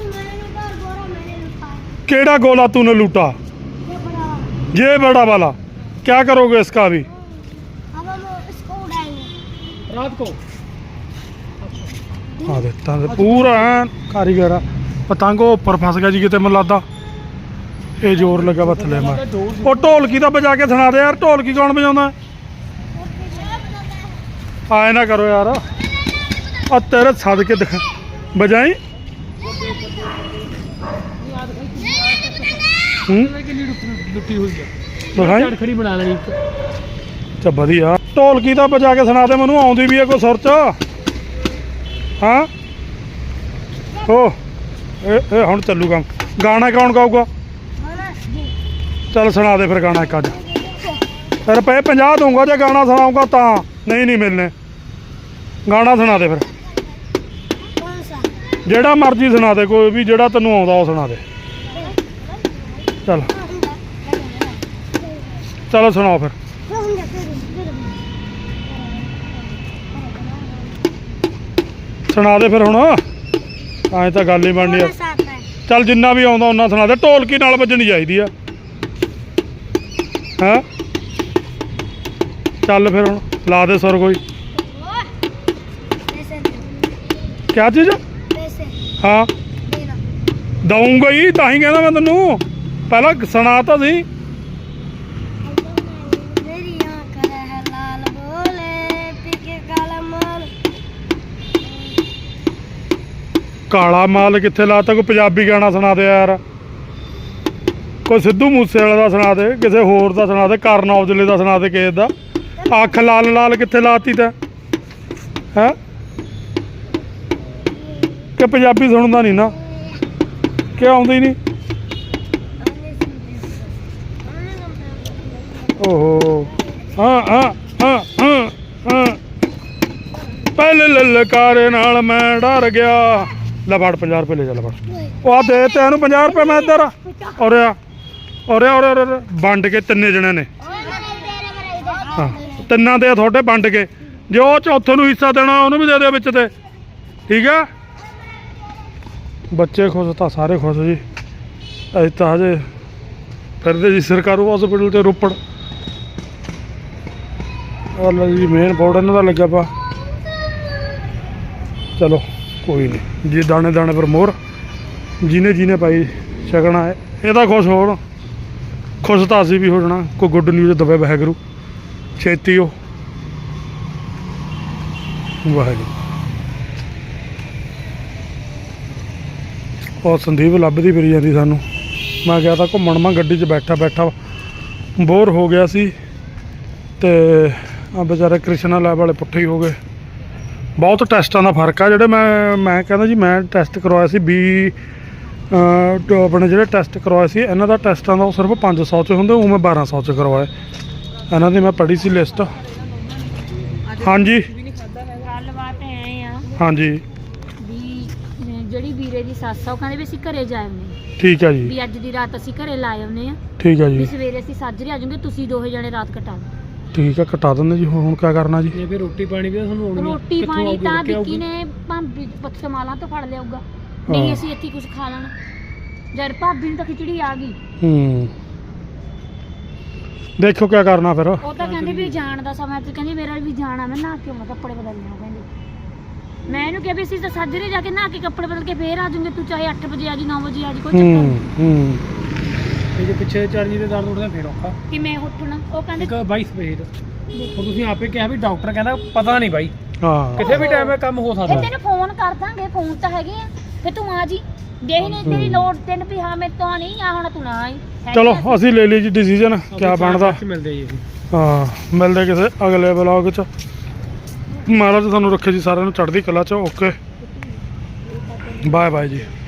केड़ा गोला तूने लूटा? ये बड़ा वाला। क्या करोगे इसका अभी? अब हम इसको उड़ाएंगे रात को हाँ देता पूरा कारीगर पतंग ऊपर फस गया जी किते मैं लगदा। ये जोर लगा वा थले मैं। वो ढोलकी दा बजा के सुना दे यार, ढोलकी कौन बजाਉਂਦਾ? आए ना करो यार, आ तेरे सदके दिखा बजाई। ਕਿੰਨੀ ਲੁੱਟੀ ਹੋਈ ਆ, ਦਿਖਾਈ ਝੜਖੜੀ ਬਣਾ ਲੈਣੀ। ਅੱਛਾ ਵਧੀਆ। ਢੋਲਕੀ ਤਾਂ ਵਜਾ ਕੇ ਸੁਣਾ ਦੇ ਮੈਨੂੰ, ਆਉਂਦੀ ਵੀ ਹੈ ਕੋਈ ਸੁਰ ਚ। ਹਾਂ ਓ ਇਹ ਹੁਣ ਚੱਲੂ ਕੰਮ। ਗਾਣਾ ਕੌਣ ਗਾਊਗਾ? ਚੱਲ ਸੁਣਾ ਦੇ ਫਿਰ ਗਾਣਾ ਇੱਕ ਅੱਜ। ਰੁਪਏ 50 ਦਊਂਗਾ ਜੇ ਗਾਣਾ ਸੁਣਾਊਗਾ ਤਾਂ, ਨਹੀਂ ਮਿਲਣੇ। ਗਾਣਾ ਸੁਣਾ ਦੇ ਫਿਰ, ਜਿਹੜਾ ਮਰਜ਼ੀ ਸੁਣਾ ਦੇ, ਕੋਈ ਵੀ ਜਿਹੜਾ ਤੈਨੂੰ ਆਉਂਦਾ ਉਹ ਸੁਣਾ ਦੇ। चल चलो सुनाओ फिर। सुना दे फिर हुण, ऐ तां गल ही बननी है। चल जिन्ना भी आउंदा उन्ना सुना दे। ढोलकी नाल वजनी चाहिदी आ। हाँ चल फिर हुण ला दे सुर कोई। क्या चीज़? हाँ दऊंगा ही, तां ही कहना मैं तैनूं। पहला सुना तो सी। काला माल कित्थे लाता? कोई पंजाबी गाना सुना दे यार। ਕੋਈ ਸਿੱਧੂ ਮੂਸੇ ਵਾਲੇ ਦਾ ਸੁਣਾ ਦੇ, ਕਿਸੇ ਹੋਰ ਦਾ ਸੁਣਾ ਦੇ, ਕਰਨ ਔਜਲੇ ਦਾ ਸੁਣਾ ਦੇ, ਕਿਸੇ ਦਾ। ਅੱਖ ਲਾਲ ਲਾਲ ਕਿੱਥੇ ਲਾਤੀ ਤੈਂ ਹੈ ਕਿ ਪੰਜਾਬੀ ਸੁਣਦਾ ਨਹੀਂ ਨਾ ਕਿ ਆਉਂਦੀ ਨਹੀਂ? ਓਹੋ ਹਾਂ ਹਾਂ ਹਾਂ ਹਾਂ ਹਾਂ ਪਹਿਲੇ ਲਲਕਾਰੇ ਨਾਲ ਮੈਂ ਡਰ ਗਿਆ। ਲੈ ਫੜ 50 ਰੁਪਏ ਲੈ ਜਾ, ਲੈ ਫੜ। ਉਹ ਆ ਦੇ ਤੈਨੂੰ 50 ਰੁਪਏ ਮੈਂ ਇੱਧਰ ਔਰੇ ਆ ਔਰੇ ਵੰਡ ਕੇ ਤਿੰਨੇ ਜਣਿਆਂ ਨੇ। ਹਾਂ ਤਿੰਨਾਂ ਦੇ ਤੁਹਾਡੇ ਵੰਡ ਕੇ, ਜੇ ਉਹ ਚੌਥੇ ਨੂੰ ਹਿੱਸਾ ਦੇਣਾ ਉਹਨੂੰ ਵੀ ਦੇ ਦਿਓ ਵਿੱਚ ਤੇ, ਠੀਕ ਆ। ਬੱਚੇ ਖੁਸ਼ ਤਾਂ ਸਾਰੇ ਖੁਸ਼ ਜੀ। ਅਸੀਂ ਤਾਂ ਹਜੇ ਫਿਰਦੇ ਜੀ ਸਰਕਾਰੀ ਹਸਪੀਟਲ 'ਚ ਰੋਪੜ। ਲਓ ਜੀ ਮੇਨ ਬੋਰਡ ਇਹਨਾਂ ਦਾ ਲੱਗਿਆ ਪਾ। ਚਲੋ ਕੋਈ ਨਹੀਂ ਜੀ, ਦਾਣੇ ਦਾਣੇ ਪਰ ਮੋਹਰ, ਜਿਹਨੇ ਪਾਈ ਛਕਣਾ ਹੈ ਇਹਦਾ ਖੁਸ਼ ਹੋਣ। ਖੁਸ਼ ਤਾਂ ਅਸੀਂ ਵੀ ਹੋ ਜਾਣਾ। ਕੋਈ ਗੁੱਡ ਨਿਊਜ਼ ਦਵੇ ਵਾਹਿਗੁਰੂ ਛੇਤੀ ਉਹ ਵਾਹਿਗੁਰੂ। ਉਹ ਸੰਦੀਪ ਲੱਭਦੀ ਫਿਰੀ ਜਾਂਦੀ ਸਾਨੂੰ। ਮੈਂ ਗਿਆ ਤਾਂ ਘੁੰਮਣ, ਮੈਂ ਗੱਡੀ 'ਚ ਬੈਠਾ ਬੋਰ ਹੋ ਗਿਆ ਸੀ। ਤੇ ਆ ਵਿਚਾਰੇ ਕ੍ਰਿਸ਼ਨਾ ਲੈਬ ਵਾਲੇ ਪੁੱਠੇ ਹੀ ਹੋ ਗਏ। ਬਹੁਤ ਟੈਸਟਾਂ ਦਾ ਫਰਕ ਆ। ਜਿਹੜੇ ਮੈਂ ਕਹਿੰਦਾ ਜੀ, ਮੈਂ ਟੈਸਟ ਕਰਵਾਇਆ ਸੀ ਆਪਣੇ ਜਿਹੜੇ ਟੈਸਟ ਕਰਵਾਏ ਸੀ ਇਹਨਾਂ ਦਾ, ਟੈਸਟਾਂ ਦਾ ਉਹ ਸਿਰਫ 500 'ਚ ਹੁੰਦੇ, ਉਹ ਮੈਂ 1200 'ਚ ਕਰਵਾਏ। ਇਹਨਾਂ ਦੀ ਮੈਂ ਪੜ੍ਹੀ ਸੀ ਲਿਸਟ। ਹਾਂਜੀ ਗੱਲਬਾਤ ਐ ਆ ਹਾਂਜੀ ਵੀ ਜਿਹੜੀ ਵੀਰੇ ਦੀ ਸੱਸ ਆ ਉਹ ਕਹਿੰਦੇ ਵੀ ਅਸੀਂ ਘਰੇ ਜਾ ਆਉਂਦੇ ਠੀਕ ਆ ਜੀ। ਵੀ ਅੱਜ ਦੀ ਰਾਤ ਅਸੀਂ ਘਰੇ ਲਾ ਆਉਂਦੇ ਆ, ਠੀਕ ਆ ਜੀ। ਵੀ ਸਵੇਰੇ ਅਸੀਂ ਸਾਜਰੇ ਆ ਜਾਵਾਂਗੇ, ਤੁਸੀਂ ਦੋਹੇ ਜਣੇ ਰਾਤ ਕਟਾ ਲਓ। ਠੀਕ ਆ, ਕਟਾ ਦਿੰਦੇ ਜੀ। ਹੁਣ ਕਿਆ ਕਰਨਾ ਜੀ? ਇਹ ਫਿਰ ਰੋਟੀ ਪਾਣੀ ਵੀ ਤਾਂ ਤੁਹਾਨੂੰ ਆਉਣੀ ਆ। ਰੋਟੀ ਕਿੱਥੋਂ ਪਾਣੀ ਆਊਗੀ, ਤਾਂ ਕਿੱਥੇ ਵਿੱਕੀ ਆਊਗੀ? ਨੇ ਭਾਬੀ ਪੱਥਮਾਲਾਂ ਤੋਂ ਫੜ ਲਿਆਊਗਾ, ਨਹੀਂ ਅਸੀਂ ਇੱਥੇ ਕੁਝ ਖਾ ਲੈਣਾ। ਜਦ ਭਾਬੀ ਨੂੰ ਤਾਂ ਖਿਚੜੀ ਆ ਗਈ। ਦੇਖੋ ਕਿਆ ਕਰਨਾ ਫਿਰ। ਉਹ ਤਾਂ ਕਹਿੰਦੇ ਵੀ ਜਾਣ ਦਾ ਸਮਾਂ ਤੇ ਕਹਿੰਦੀ ਮੇਰਾ ਵੀ ਜਾਣਾ, ਮੈਂ ਨਹਾ ਕੇ ਆਉਣਾ, ਕੱਪੜੇ ਬਦਲਣੇ ਆ ਕਹਿੰਦੀ। ਮੈਂ ਇਹਨੂੰ ਕਿਹਾ ਵੀ ਅਸੀਂ ਤਾਂ ਸਾਜਰੇ ਜਾ ਕੇ ਨਹਾ ਕੇ ਕੱਪੜੇ ਬਦਲ ਕੇ ਫੇਰ ਆ ਜਾਵਾਂਗੇ, ਤੂੰ ਚਾਹੇ 8 ਵਜੇ ਆ ਜੀ 9 ਵਜੇ ਆ ਜੀ, ਕੋਈ ਚੱਕਰ ਨਹੀਂ। ਤੇ ਜੇ ਪਿੱਛੇ ਚਰਨੀ ਦੇ ਦਰਦ ਉੱਠਦਾ ਫੇਰ ਔਖਾ। ਕਿ ਮੈਂ ਉੱਠਣਾ, ਉਹ ਕਹਿੰਦੇ ਇੱਕ ਬਾਈ ਸਪੇਡ ਹੁਣ ਤੁਸੀਂ ਆਪੇ ਕਿਹਾ ਵੀ ਡਾਕਟਰ ਕਹਿੰਦਾ ਪਤਾ ਨਹੀਂ ਬਾਈ, ਹਾਂ ਕਿਸੇ ਵੀ ਟਾਈਮ ਇਹ ਕੰਮ ਹੋ ਇਹ ਸਕਦਾ। ਤੈਨੂੰ ਫੋਨ ਕਰ ਦਾਂਗੇ, ਫੋਨ ਤਾਂ ਹੈਗੇ ਆ, ਫੇ ਤੂੰ ਆ ਜੀ। ਦੇਖ ਨਹੀਂ ਤੇਰੀ ਲੋੜ ਤੈਨੂੰ ਵੀ ਹਾਂ ਮੇਰੇ ਤੋਂ ਨਹੀਂ ਆ, ਹੁਣ ਤੂੰ ਨਾ ਆਈ। ਚਲੋ ਅਸੀਂ ਲੈ ਲਈ ਜੀ ਡਿਸੀਜਨ, ਕਿਆ ਬਣਦਾ। ਮਿਲਦੇ ਜੀ ਹਾਂ ਮਿਲਦੇ ਕਿਸੇ ਅਗਲੇ ਵਲੌਗ 'ਚ। ਮਹਾਰਾਜ ਤੁਹਾਨੂੰ ਰੱਖੇ ਜੀ ਸਾਰਿਆਂ ਨੂੰ ਚੜ੍ਹਦੀ ਕਲਾ 'ਚ। ਓਕੇ ਬਾਏ ਬਾਏ ਜੀ।